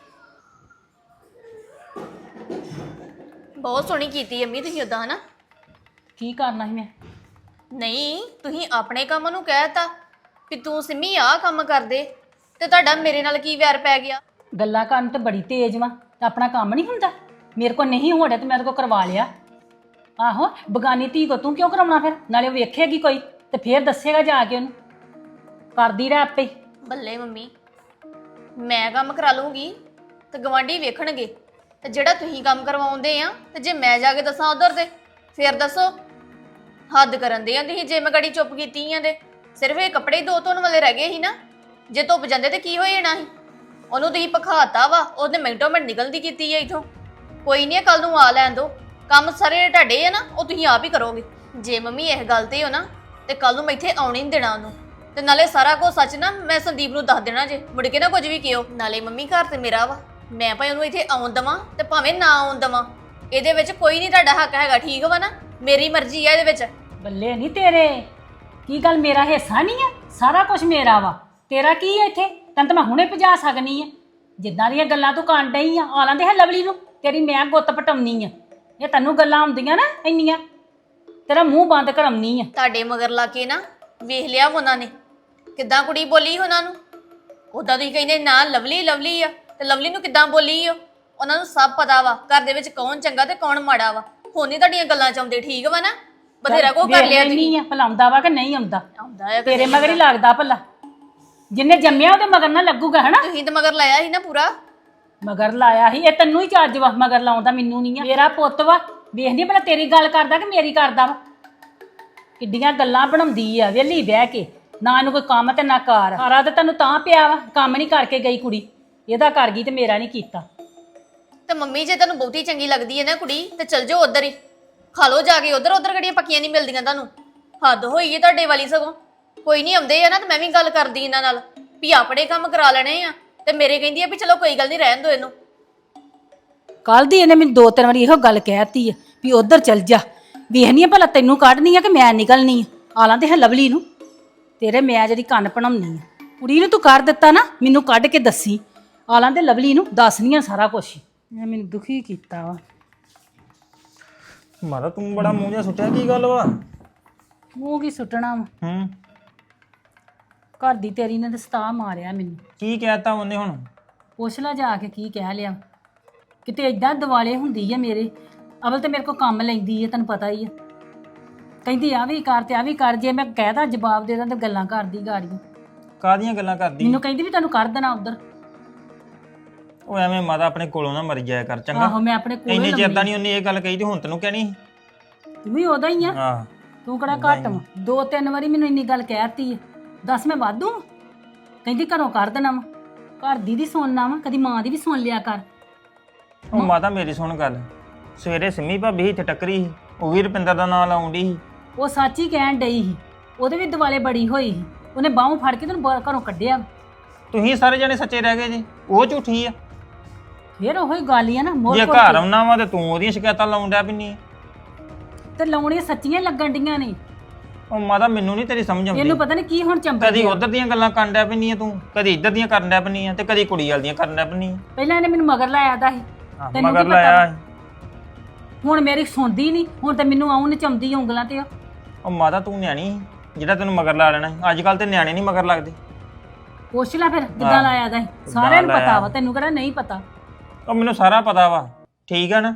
Speaker 4: ਬਹੁਤ ਸੋਹਣੀ ਕੀਤੀ ਅੰਮੀ ਤੁਸੀਂ ਉਦਾਂ ਹਨਾ।
Speaker 7: ਕੀ ਕਰਨਾ ਸੀ ਮੈਂ?
Speaker 4: ਨਹੀਂ ਤੁਸੀਂ ਆਪਣੇ ਕੰਮ ਨੂੰ ਕਹਿਤਾ ਵੀ ਤੂੰ ਸਿੰਮੀ ਆਹ ਕੰਮ ਕਰਦੇ, ਤੇ ਤੁਹਾਡਾ ਮੇਰੇ ਨਾਲ ਕੀ ਵੈਰ ਪੈ ਗਿਆ?
Speaker 7: ਗੱਲਾਂ ਕਰਨ ਤੇ ਬੜੀ ਤੇਜ਼ ਵਾ, ਤੇ ਆਪਣਾ ਕੰਮ ਨਹੀਂ ਹੁੰਦਾ। ਮੇਰੇ ਕੋਲ ਨਹੀਂ ਹੋ ਰਿਹਾ ਤੇ ਮੈਂ ਤੇ ਕੋ ਕਰਵਾ ਲਿਆ। ਆਹੋ, ਬਗਾਨੀ ਧੀ ਕੋ ਤੂੰ ਕਿਉਂ ਕਰਾਉਣਾ ਫਿਰ? ਨਾਲੇ ਉਹ ਵੇਖੇਗੀ ਕੋਈ ਤੇ ਫੇਰ ਦੱਸੇਗਾ ਜਾ ਕੇ ਉਹਨੂੰ, ਕਰਦੀ ਰਹਿ ਆਪੇ।
Speaker 4: ਬੱਲੇ ਮੰਮੀ, ਮੈਂ ਕੰਮ ਕਰਾ ਲੂੰਗੀ ਤੇ ਗਵਾਂਢੀ ਵੇਖਣਗੇ, ਤੇ ਜਿਹੜਾ ਤੁਸੀਂ ਕੰਮ ਕਰਵਾਉਂਦੇ ਆ ਤੇ ਜੇ ਮੈਂ ਜਾ ਕੇ ਦੱਸਾਂ ਉਧਰ ਤੇ ਫੇਰ ਦੱਸੋ। ਹੱਦ ਕਰਨ ਦੇ ਆ ਤੁਸੀਂ, ਜੇ ਮੈਂ ਗੜੀ ਚੁੱਪ ਕੀਤੀ ਆ ਤੇ ਸਿਰਫ ਇਹ ਕੱਪੜੇ 2 ਧੋਣ ਵਾਲੇ ਰਹਿ ਗਏ ਸੀ ਨਾ। ਜੇ ਧੁੱਪ ਜਾਂਦੇ ਤੇ ਕੀ ਹੋ ਜਾਣਾ ਸੀ? ਉਹਨੂੰ ਤੁਸੀਂ ਪਖਾਤਾ ਵਾ, ਉਹਨੇ ਮਿੰਟੋ ਮਿੰਟ ਨਿਕਲਦੀ ਕੀਤੀ ਹੈ ਇਥੋਂ। ਕੋਈ ਨਹੀਂ, ਕੱਲ ਨੂੰ ਆ ਲੈਣ ਦੋ, ਕੰਮ ਸਾਰੇ ਤੁਹਾਡੇ ਆ ਨਾ, ਉਹ ਤੁਸੀਂ ਆਪ ਹੀ ਕਰੋਗੇ। ਜੇ ਮੰਮੀ ਇਹ ਗੱਲ ਤੇ ਹੋ ਨਾ ਤੇ ਕੱਲ ਨੂੰ ਮੈਂ ਇੱਥੇ ਆਉਣੀ ਨਹੀਂ ਦੇਣਾ ਉਹਨੂੰ, ਤੇ ਨਾਲੇ ਸਾਰਾ ਕੁਝ ਸੱਚ ਨਾ ਮੈਂ ਸੰਦੀਪ ਨੂੰ ਦੱਸ ਦੇਣਾ ਜੇ ਮੁੜ ਕੇ ਨਾ ਕੁਝ ਵੀ ਕਿਹੋ। ਨਾਲੇ ਮੰਮੀ ਘਰ ਤੇ ਮੇਰਾ ਵਾ, ਮੈਂ ਭਾਵੇਂ ਉਹਨੂੰ ਇੱਥੇ ਆਉਣ ਦੇਵਾਂ ਤੇ ਭਾਵੇਂ ਨਾ ਆਉਣ ਦੇਵਾਂ, ਇਹਦੇ ਵਿੱਚ ਕੋਈ ਨਹੀਂ ਤੁਹਾਡਾ ਹੱਕ ਹੈਗਾ, ਠੀਕ ਵਾ ਨਾ? ਮੇਰੀ ਮਰਜ਼ੀ ਆ ਇਹਦੇ ਵਿੱਚ।
Speaker 7: ਬੱਲੇ ਨਹੀਂ ਤੇਰੇ, ਕੀ ਗੱਲ ਮੇਰਾ ਹਿੱਸਾ ਨਹੀਂ ਆ? ਸਾਰਾ ਕੁਝ ਮੇਰਾ ਵਾ, ਤੇਰਾ ਕੀ ਹੈ ਇੱਥੇ? ਤੈਨੂੰ ਤਾਂ ਮੈਂ ਹੁਣੇ ਭਜਾ ਸਕਨੀ ਆ। ਜਿੱਦਾਂ ਦੀਆਂ ਗੱਲਾਂ ਤੂੰ ਕਰਨ ਡਈ ਆ, ਆ ਲੈਂਦੇ ਹੈ ਲਵਲੀ ਨੂੰ, ਤੇਰੀ ਮੈਂ ਗੁੱਤ ਪਟਾਉਣੀ ਆ। ਇਹ ਤੈਨੂੰ ਗੱਲਾਂ ਆਉਂਦੀਆਂ ਨਾ ਇੰਨੀਆਂ, ਤੇਰਾ ਮੂੰਹ ਬੰਦ ਕਰਾਉਣੀ ਆ।
Speaker 4: ਤੁਹਾਡੇ ਮਗਰ ਲਾ ਕੇ ਨਾ ਵੇਖ ਲਿਆ ਉਹਨਾਂ ਨੇ ਕਿੱਦਾਂ ਕੁੜੀ ਬੋਲੀ ਉਹਨਾਂ ਨੂੰ। ਉਦਾਂ ਤੁਸੀਂ ਕਹਿੰਦੇ ਨਾ ਲਵਲੀ ਲਵਲੀ ਆ, ਤੇ ਲਵਲੀ ਨੂੰ ਕਿੱਦਾਂ ਬੋਲੀ ਉਹ? ਉਹਨਾਂ ਨੂੰ ਸਭ ਪਤਾ ਵਾ ਘਰ ਦੇ ਵਿੱਚ ਕੌਣ ਚੰਗਾ ਤੇ ਕੌਣ ਮਾੜਾ ਵਾ। ਹੁਣ ਨਹੀਂ ਤੁਹਾਡੀਆਂ ਗੱਲਾਂ ਚ ਆਉਂਦੇ, ਠੀਕ ਵਾ ਨਾ? ਬਥੇਰਾ ਕੋ ਕਰ ਲਿਆ ਤੁਸੀਂ।
Speaker 7: ਭਲਾ ਆਉਂਦਾ ਵਾ ਕਿ ਨਹੀਂ ਆਉਂਦਾ?
Speaker 4: ਆਉਂਦਾ ਹੈ
Speaker 7: ਤੇਰੇ ਮਗਰ ਹੀ ਲੱਗਦਾ ਭਲਾ, ਜਿੰਨੇ ਜੰਮਿਆ ਉਹਦੇ ਮਗਰ ਨਾ ਲੱਗੂਗਾ ਹਨਾ।
Speaker 4: ਤੁਸੀਂ ਤਾਂ ਮਗਰ ਲਾਇਆ ਸੀ ਨਾ ਪੂਰਾ।
Speaker 7: ਮਗਰ ਲਾਇਆ ਸੀ, ਇਹ ਤੈਨੂੰ ਹੀ ਚੱਜ ਵਾ ਮਗਰ ਲਾਉਂਦਾ, ਮੈਨੂੰ ਨਹੀਂ ਆ। ਮੇਰਾ ਪੁੱਤ ਵਾ, ਵੇਖਦੀ ਭਲਾ ਤੇਰੀ ਗੱਲ ਕਰਦਾ ਕਿ ਮੇਰੀ ਕਰਦਾ ਵਾ। ਕਿੱਡੀਆਂ ਗੱਲਾਂ ਬਣਾਉਂਦੀ ਆ ਵਿਹਲੀ ਬਹਿ ਕੇ, ਨਾ ਇਹਨੂੰ ਕੋਈ ਕੰਮ ਤੇ ਨਾ ਕਾਰ। ਸਾਰਾ ਤੇ ਤੈਨੂੰ ਤਾਂ ਪਿਆ ਵਾ, ਕੰਮ ਨਹੀਂ ਕਰਕੇ ਗਈ ਕੁੜੀ, ਇਹਦਾ ਕਰ ਗਈ ਤੇ ਮੇਰਾ ਨਹੀਂ ਕੀਤਾ।
Speaker 4: ਤੇ ਮੰਮੀ ਜੇ ਤੈਨੂੰ ਬਹੁਤੀ ਚੰਗੀ ਲੱਗਦੀ ਹੈ ਨਾ ਕੁੜੀ, ਤੇ ਚਲ ਜਾਓ ਉਧਰ ਹੀ, ਖਾ ਲਓ ਜਾ ਕੇ ਉਧਰ। ਉਧਰ ਗੜੀਆਂ ਪੱਕੀਆਂ ਨਹੀਂ ਮਿਲਦੀਆਂ ਤੁਹਾਨੂੰ, ਹੱਦ ਹੋਈ ਹੈ ਤੁਹਾਡੇ ਵਾਲੀ। ਸਗੋਂ ਕੋਈ ਨਹੀਂ ਆਉਂਦੇ ਆ ਨਾ, ਤੇ ਮੈਂ ਵੀ ਗੱਲ ਕਰਦੀ ਇਹਨਾਂ ਨਾਲ ਵੀ ਆਪਣੇ ਕੰਮ ਕਰਾ ਲੈਣੇ ਆ, ਤੇ ਮੇਰੇ ਕਹਿੰਦੀ ਆ ਵੀ ਚਲੋ ਕੋਈ ਗੱਲ ਨਹੀਂ ਰਹਿਣ ਦਿਓ ਇਹਨੂੰ।
Speaker 7: ਕੱਲ ਦੀ ਇਹਨੇ ਮੈਨੂੰ 2-3 ਵਾਰੀ ਇਹੋ ਗੱਲ ਕਹਿਤੀ ਆ ਵੀ ਉਧਰ ਚੱਲ ਜਾ, ਵੇਖਨੀ ਆ ਭਲਾ ਤੈਨੂੰ ਕੱਢਣੀ ਆ ਕਿ ਮੈਂ ਨਿਕਲਣੀ ਆ। ਆਲਾਂ ਤੇ ਹੈ ਲਵਲੀ ਨੂੰ, ਤੇਰੇ ਮੈਂ ਜਿਹੜੀ ਕੰਨ ਭਣਾਉਣੀ ਆ। ਕੁੜੀ ਨੂੰ ਤੂੰ ਕਰ ਦਿੱਤਾ ਨਾ, ਮੈਨੂੰ ਕੱਢ ਕੇ ਦੱਸੀ। ਆਲਾਂ ਤੇ ਲਵਲੀ ਨੂੰ ਦੱਸਨੀ ਆ ਸਾਰਾ ਕੁਝ। ਮੈਂ ਮੈਨੂੰ ਦੁਖੀ ਕੀਤਾ ਵਾ।
Speaker 2: ਮਾਤਾ ਤੂੰ ਬੜਾ ਮੂੰਹ ਜਿਹਾ ਸੁੱਟਿਆ, ਕੀ ਗੱਲ ਵਾ?
Speaker 7: ਮੂੰਹ ਕੀ ਸੁੱਟਣਾ ਵਾ, ਘਰ ਦੀ ਤੇਰੀ ਨੇ ਦਸਤਾ ਮਾਰਿਆ ਮੈਨੂੰ।
Speaker 2: ਕੀ ਕਹਿਤਾ ਉਹਨੇ ਹੁਣ?
Speaker 7: ਪੁੱਛ ਲੈ ਜਾ ਕੇ ਕੀ ਕਹਿ ਲਿਆ। ਕਿਤੇ ਏਦਾਂ ਦਿਵਾਲੇ ਹੁੰਦੀ ਆ ਮੇਰੇ। ਅਵਲ ਤੇ ਮੇਰੇ ਕੋਲ ਕੰਮ ਲੈਂਦੀ ਆ, ਤੈਨੂੰ ਪਤਾ ਹੀ ਆ। ਕਹਿੰਦੀ ਆ ਵੀ ਕਰ ਤੇ ਆ ਵੀ ਕਰ, ਜੇ ਮੈਂ ਕਹਿਦਾ ਜਵਾਬ ਦੇ ਦਾਂ ਤੇ ਗੱਲਾਂ ਕਰਦੀ ਗਾੜੀਆਂ।
Speaker 2: ਕਾਹਦੀਆਂ ਗੱਲਾਂ ਕਰਦੀ?
Speaker 7: ਮੈਨੂੰ ਕਹਿੰਦੀ ਵੀ ਤੈਨੂੰ ਕਰ ਦੇਣਾ ਉਧਰ।
Speaker 2: ਉਹ ਐਵੇਂ ਮਾਤਾ ਆਪਣੇ ਕੋਲੋਂ ਨਾ ਮਰ ਜਾਇਆ ਕਰ, ਚੰਗਾ?
Speaker 7: ਆਹੋ ਮੈਂ ਆਪਣੇ ਕੋਲ
Speaker 2: ਇੰਨੇ ਚਿਰ ਦਾ ਨਹੀਂ ਉਹਨੇ ਇਹ ਗੱਲ ਕਹੀ ਤੇ ਹੁਣ ਤੈਨੂੰ ਕਹਿਣੀ ਸੀ?
Speaker 7: ਤੂੰ ਵੀ ਉਹਦਾ ਹੀ ਆ,
Speaker 2: ਆਹ
Speaker 7: ਤੂੰ ਕਿਹੜਾ ਘੱਟ ਵਾ। 2-3 ਵਾਰੀ ਮੈਨੂੰ ਇੰਨੀ ਗੱਲ ਕਹਿਤੀ ਆ, ਦੱਸ ਮੈਂ ਵਾਧੂ? ਕਹਿੰਦੀ ਘਰੋਂ ਕਰ ਦੇਣਾ ਵਾ। ਘਰ ਦੀ ਸੁਣਨਾ ਵਾ, ਕਦੀ ਮਾਂ ਦੀ ਵੀ ਸੁਣ ਲਿਆ ਕਰ।
Speaker 2: ਉਹ ਮਾਤਾ ਮੇਰੀ ਸੁਣ ਗੱਲ, ਸਵੇਰੇ ਸਿੰਮੀ ਭਾਬੀ ਇੱਥੇ ਟੱਕਰੀ ਸੀ, ਉਹ ਵੀ ਰੁਪਿੰਦਰ ਦਾ ਨਾਂ ਲਾਉਣ ਡਈ ਸੀ।
Speaker 7: ਉਹ ਸੱਚ ਹੀ ਕਹਿਣ ਡਈ ਸੀ, ਉਹਦੇ ਵੀ ਦਿਵਾਲੇ ਬੜੀ ਹੋਈ ਸੀ। ਉਹਨੇ ਬਾਹੋਂ ਫੜ ਕੇ ਤੈਨੂੰ ਘਰੋਂ ਕੱਢਿਆ।
Speaker 2: ਤੁਸੀਂ ਸਾਰੇ ਜਣੇ ਸੱਚੇ ਰਹਿ ਗਏ ਜੀ, ਉਹ ਝੂਠੀ ਆ।
Speaker 7: ਫੇਰ ਉਹੀ ਗੱਲ ਹੀ ਆ ਨਾ, ਮੋਰ
Speaker 2: ਜੇ ਘਰ ਆਉਣਾ ਵਾ ਤੇ ਤੂੰ ਉਹਦੀਆਂ ਸ਼ਿਕਾਇਤਾਂ ਲਾਉਣ ਡਿਆ ਪਿੰਨੀ।
Speaker 7: ਤੇ ਲਾਉਣੀਆਂ ਸੱਚੀਆਂ ਲੱਗਣ ਡੀਆਂ ਨੇ।
Speaker 2: ਉਹ ਮਾਤਾ ਮੈਨੂੰ ਨਹੀਂ ਤੇਰੀ ਸਮਝ ਆਉਂਦੀ।
Speaker 7: ਇਹਨੂੰ ਪਤਾ ਨਹੀਂ ਕੀ ਹੁਣ ਚੰਬੜ
Speaker 2: ਕਦੀ
Speaker 7: ਗਿਆ।
Speaker 2: ਉਧਰ ਦੀਆਂ ਗੱਲਾਂ ਕਰਨ ਡਿਆ ਪਿੰਨੀ ਆ ਤੂੰ, ਕਦੀ ਇੱਧਰ ਦੀਆਂ ਕਰਨ ਡਿਆ ਪਿੰਨੀ ਆ, ਤੇ ਕਦੀ ਕੁੜੀ ਵਾਲ ਦੀਆਂ ਕਰਨ ਡਿਆ ਪਿੰਨੀ ਆ।
Speaker 7: ਪਹਿਲਾਂ ਇਹਨੇ ਮੈਨੂੰ ਮਗਰ ਲਾਇਆ ਦਾ ਸੀ, ਤੈਨੂੰ
Speaker 2: ਮਗਰ
Speaker 7: ਕੀ
Speaker 2: ਲਾਇਆ।
Speaker 7: ਹੁਣ ਮੇਰੀ ਸੁਣਦੀ ਨਹੀਂ, ਹੁਣ ਤੇ ਮੈਨੂੰ ਆਉਂ ਨਚਾਉਂਦੀ ਉਂਗਲਾਂ ਤੇ।
Speaker 2: ਉਹ ਮਾਤਾ ਤੂੰ ਨਿਆਣੀ ਸੀ ਜਿਹੜਾ ਤੈਨੂੰ ਮਗਰ ਲਾ ਲੈਣਾ ਸੀ। ਅੱਜ ਕੱਲ ਤੇ ਨਿਆਣੇ ਨਹੀਂ ਮਗਰ ਲੱਗਦੇ।
Speaker 7: ਪੁੱਛ ਲੈ ਫਿਰ ਕਿੱਦਾਂ ਲਾਇਆ ਦਾ ਸੀ। ਸਾਰਿਆਂ ਨੂੰ ਪਤਾ ਵਾ, ਤੈਨੂੰ ਕਿਹੜਾ ਨਹੀਂ ਪਤਾ।
Speaker 2: ਉਹ ਮੈਨੂੰ ਸਾਰਾ ਪਤਾ ਵਾ, ਠੀਕ ਆ ਨਾ?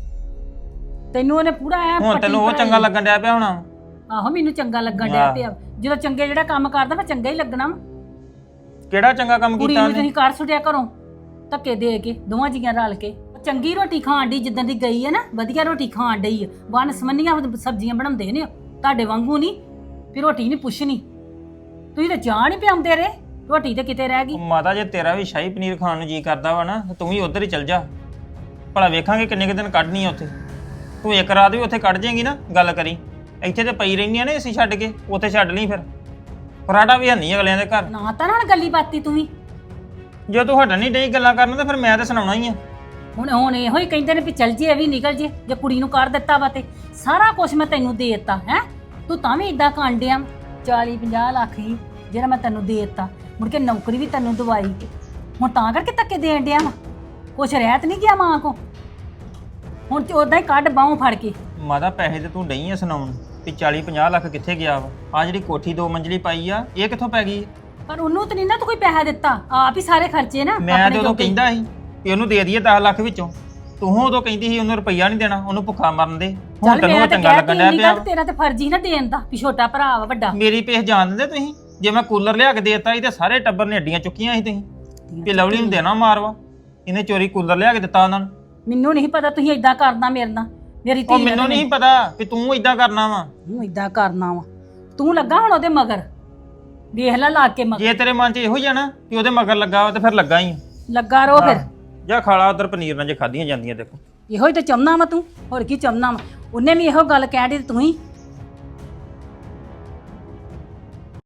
Speaker 7: ਤੈਨੂੰ ਉਹਨੇ ਪੂਰਾ ਐ
Speaker 2: ਹੁਣ ਤੈਨੂੰ ਉਹ ਚੰਗਾ ਲੱਗਣ ਡਿਆ ਪਿਆ ਹੋਣਾ।
Speaker 7: ਆਹੋ ਮੈਨੂੰ ਚੰਗਾ ਲੱਗਣ ਡਿਆ ਪਿਆ। ਜਦੋਂ ਚੰਗੇ ਜਿਹੜਾ ਕੰਮ ਕਰਦਾ ਫਿਰ ਚੰਗਾ ਹੀ ਲੱਗਣਾ ਵਾ।
Speaker 2: ਕਿਹੜਾ ਚੰਗਾ ਕੰਮ
Speaker 7: ਕੁੜੀ
Speaker 2: ਕੀਤਾ
Speaker 7: ਨੂੰ
Speaker 2: ਉਹਨੇ?
Speaker 7: ਤੁਸੀਂ ਕਰ ਛੁੱਟਿਆ ਘਰੋਂ ਧੱਕੇ ਦੇ ਕੇ, ਦੋਵਾਂ ਜੀਆਂ ਰਲ ਕੇ। ਚੰਗੀ ਰੋਟੀ ਖਾਣ ਦੀ ਜਿੱਦਾਂ ਦੀ ਗਈ ਹੈ ਨਾ, ਵਧੀਆ ਰੋਟੀ ਖਾਣ ਡਈ ਆ। ਵਨ ਸਮੰਨੀਆਂ ਸਬਜ਼ੀਆਂ ਬਣਾਉਂਦੇ ਨੇ ਤੁਹਾਡੇ ਵਾਂਗੂ ਨਹੀਂ ਵੀ ਰੋਟੀ ਨਹੀਂ ਪੁੱਛਣੀ। ਤੁਸੀਂ ਤਾਂ ਚਾਹ ਨਹੀਂ ਪਿਆਉਂਦੇ ਰੇ, ਰੋਟੀ ਤੇ ਕਿਤੇ ਰਹਿ ਗਈ।
Speaker 2: ਉਹ ਮਾਤਾ ਜੇ ਤੇਰਾ ਵੀ ਸ਼ਾਹੀ ਪਨੀਰ ਖਾਣ ਨੂੰ ਜੀ ਕਰਦਾ ਵਾ ਨਾ, ਤੂੰ ਵੀ ਉਧਰ ਹੀ ਚੱਲ ਜਾ। ਭਲਾ ਵੇਖਾਂਗੇ ਕਿੰਨੇ ਕੁ ਦਿਨ ਕੱਢਣੀ ਆ ਉੱਥੇ। ਤੂੰ ਇੱਕ ਰਾਤ ਵੀ ਉੱਥੇ ਕੱਢ ਜਾਏਂਗੀ ਨਾ, ਗੱਲ ਕਰੀ। ਇੱਥੇ ਤੇ ਪਈ ਰਹਿੰਦੀਆਂ ਨੇ ਅਸੀਂ ਛੱਡ ਕੇ, ਉੱਥੇ ਛੱਡ ਲਈ ਫਿਰ। ਫਰਾਡਾ ਵੀ ਹੰਨੀ ਅਗਲਿਆਂ ਦੇ ਘਰ।
Speaker 7: ਨਾ ਤਾਂ ਹੁਣ ਗੱਲੀ ਬਾਤੀ ਤੂੰ ਵੀ।
Speaker 2: ਜੇ ਤੂੰ ਹਟਣ ਨਹੀਂ ਡਈ ਗੱਲਾਂ ਕਰਨ ਤੇ ਫਿਰ ਮੈਂ ਤਾਂ ਸੁਣਾਉਣਾ ਹੀ ਆ।
Speaker 7: ਹੁਣ ਇਹੋ ਹੀ ਕਹਿੰਦੇ ਨੇ ਵੀ ਚੱਲ ਜੇ, ਇਹ ਵੀ ਨਿਕਲ ਜੇ। ਜੇ ਕੁੜੀ ਨੂੰ ਕਰ ਦਿੱਤਾ ਵਾ ਤੇ ਸਾਰਾ ਕੁਝ ਮੈਂ ਤੈਨੂੰ ਦੇ ਦਿੱਤਾ ਹੈ, ਤੂੰ ਤਾਂ ਵੀ ਇਦਾਂ ਕਾਂਡਿਆ। 40-50 ਲੱਖ ਹੀ ਜਿਹੜਾ ਮੈਂ ਤੈਨੂੰ ਦੇ ਦਿੱਤਾ, ਮੁੜ ਕੇ ਨੌਕਰੀ ਵੀ ਤੈਨੂੰ ਦਵਾਈ। ਹੁਣ ਤਾਂ ਕਰਕੇ ਧੱਕੇ ਦੇਣ ਡਿਆ ਵਾ, ਕੁਛ ਰਹਿਤ ਨਹੀਂ ਗਿਆ ਮਾਂ ਕੋ। ਹੁਣ ਤੇ ਉਦਾਂ ਹੀ ਕੱਢ ਬਾਹੋਂ ਫੜ ਕੇ।
Speaker 2: ਮਾਤਾ ਪੈਸੇ ਤੇ ਤੂੰ ਡਈ ਆ ਸੁਣਾਉਣ ਵੀ 40-50 ਲੱਖ ਕਿੱਥੇ ਗਿਆ ਵਾ। ਆ ਜਿਹੜੀ ਕੋਠੀ 2 ਮੰਜ਼ਲੀ ਪਾਈ ਆ, ਇਹ ਕਿੱਥੋਂ ਪੈ ਗਈ?
Speaker 7: ਪਰ ਉਹਨੂੰ ਤਾਂ ਨਹੀਂ ਨਾ ਤੂੰ ਕੋਈ ਪੈਸਾ ਦਿੱਤਾ, ਆਪ ਹੀ ਸਾਰੇ ਖਰਚੇ ਨਾ
Speaker 2: ਮੈਂ ਤੇ ਉਦੋਂ ਕਹਿੰਦਾ ਸੀ ਵੀ ਉਹਨੂੰ ਦੇ ਦਈਏ 10 ਲੱਖ ਵਿੱਚੋਂ। ਤੂੰ ਉਦੋਂ ਕਹਿੰਦੀ ਸੀ ਉਹਨੂੰ ਰੁਪਈਆ ਨਹੀਂ ਦੇਣਾ, ਉਹਨੂੰ ਭੁੱਖਾ ਮਰਨ ਦੇ। ਹੁਣ
Speaker 7: ਚੱਲ
Speaker 2: ਤੈਨੂੰ
Speaker 7: ਮੈਂ
Speaker 2: ਉਹ
Speaker 7: ਤਾਂ
Speaker 2: ਚੰਗਾ ਲੱਗਣ ਡਿਆ
Speaker 7: ਕਹਿਤੀ
Speaker 2: ਪਿਆ।
Speaker 7: ਤੇਰਾ ਤੇ ਫਰਜ਼ ਹੀ ਨਾ ਦੇਣ ਦਾ ਵੀ ਛੋਟਾ ਭਰਾ ਵਾ ਵੱਡਾ।
Speaker 2: ਮੇਰੀ ਪੇਸ਼ ਜਾਣ ਦਿੰਦੇ ਤੁਸੀਂ? ਜੇ ਮੈਂ ਕੂਲਰ ਲਿਆ ਕੇ ਦੇਤਾ ਸੀ ਤੇ ਸਾਰੇ ਟੱਬਰ ਨੇ ਅੱਡੀਆਂ ਚੁੱਕੀਆਂ ਸੀ ਤੁਸੀਂ ਵੀ ਲਵਲੀ ਨੂੰ ਦੇਣਾ ਮਾਰਵਾ। ਇਹਨੇ ਚੋਰੀ ਕੂਲਰ ਲਿਆ ਕੇ ਦਿੱਤਾ ਉਹਨਾਂ ਨੂੰ।
Speaker 7: ਮੈਨੂੰ ਨਹੀਂ ਪਤਾ ਤੁਸੀਂ ਇਦਾਂ ਕਰਨਾ ਮੇਰੇ ਨਾਲ। ਮੇਰੀ ਧੀ
Speaker 2: ਉਹ ਮੈਨੂੰ ਨਹੀਂ ਪਤਾ ਵੀ ਤੂੰ ਇਦਾਂ ਕਰਨਾ ਵਾ।
Speaker 7: ਤੂੰ ਇਦਾਂ ਕਰਨਾ ਵਾ, ਤੂੰ ਲੱਗਾ ਹੁਣ ਉਹਦੇ ਮਗਰ। ਵੇਖ ਲੈ ਲਾ ਕੇ ਮਗਰ।
Speaker 2: ਜੇ ਤੇਰੇ ਮਨ 'ਚ ਇਹੋ ਹੀ ਆ ਨਾ ਕਿ ਉਹਦੇ ਮਗਰ ਲੱਗਾ ਵਾ ਤੇ ਫਿਰ ਲੱਗਾ ਹੀ।
Speaker 7: ਲੱਗਾ ਰੋ ਫਿਰ।
Speaker 2: ਜਾਂ ਖਾਲਾ ਉਧਰ ਪਨੀਰ ਨਾਲ ਜੇ ਖਾਧੀਆਂ ਜਾਂਦੀਆਂ ਦੇਖੋ।
Speaker 7: ਇਹੋ ਹੀ ਤਾਂ ਚਾਹੁੰਦਾ ਵਾ ਤੂੰ, ਹੋਰ ਕੀ ਚਾਹੁੰਦਾ ਵਾ। ਉਹਨੇ ਵੀ ਇਹੋ ਗੱਲ ਕਹਿ ਦਿੱਤੀ ਤੂੰ ਹੀ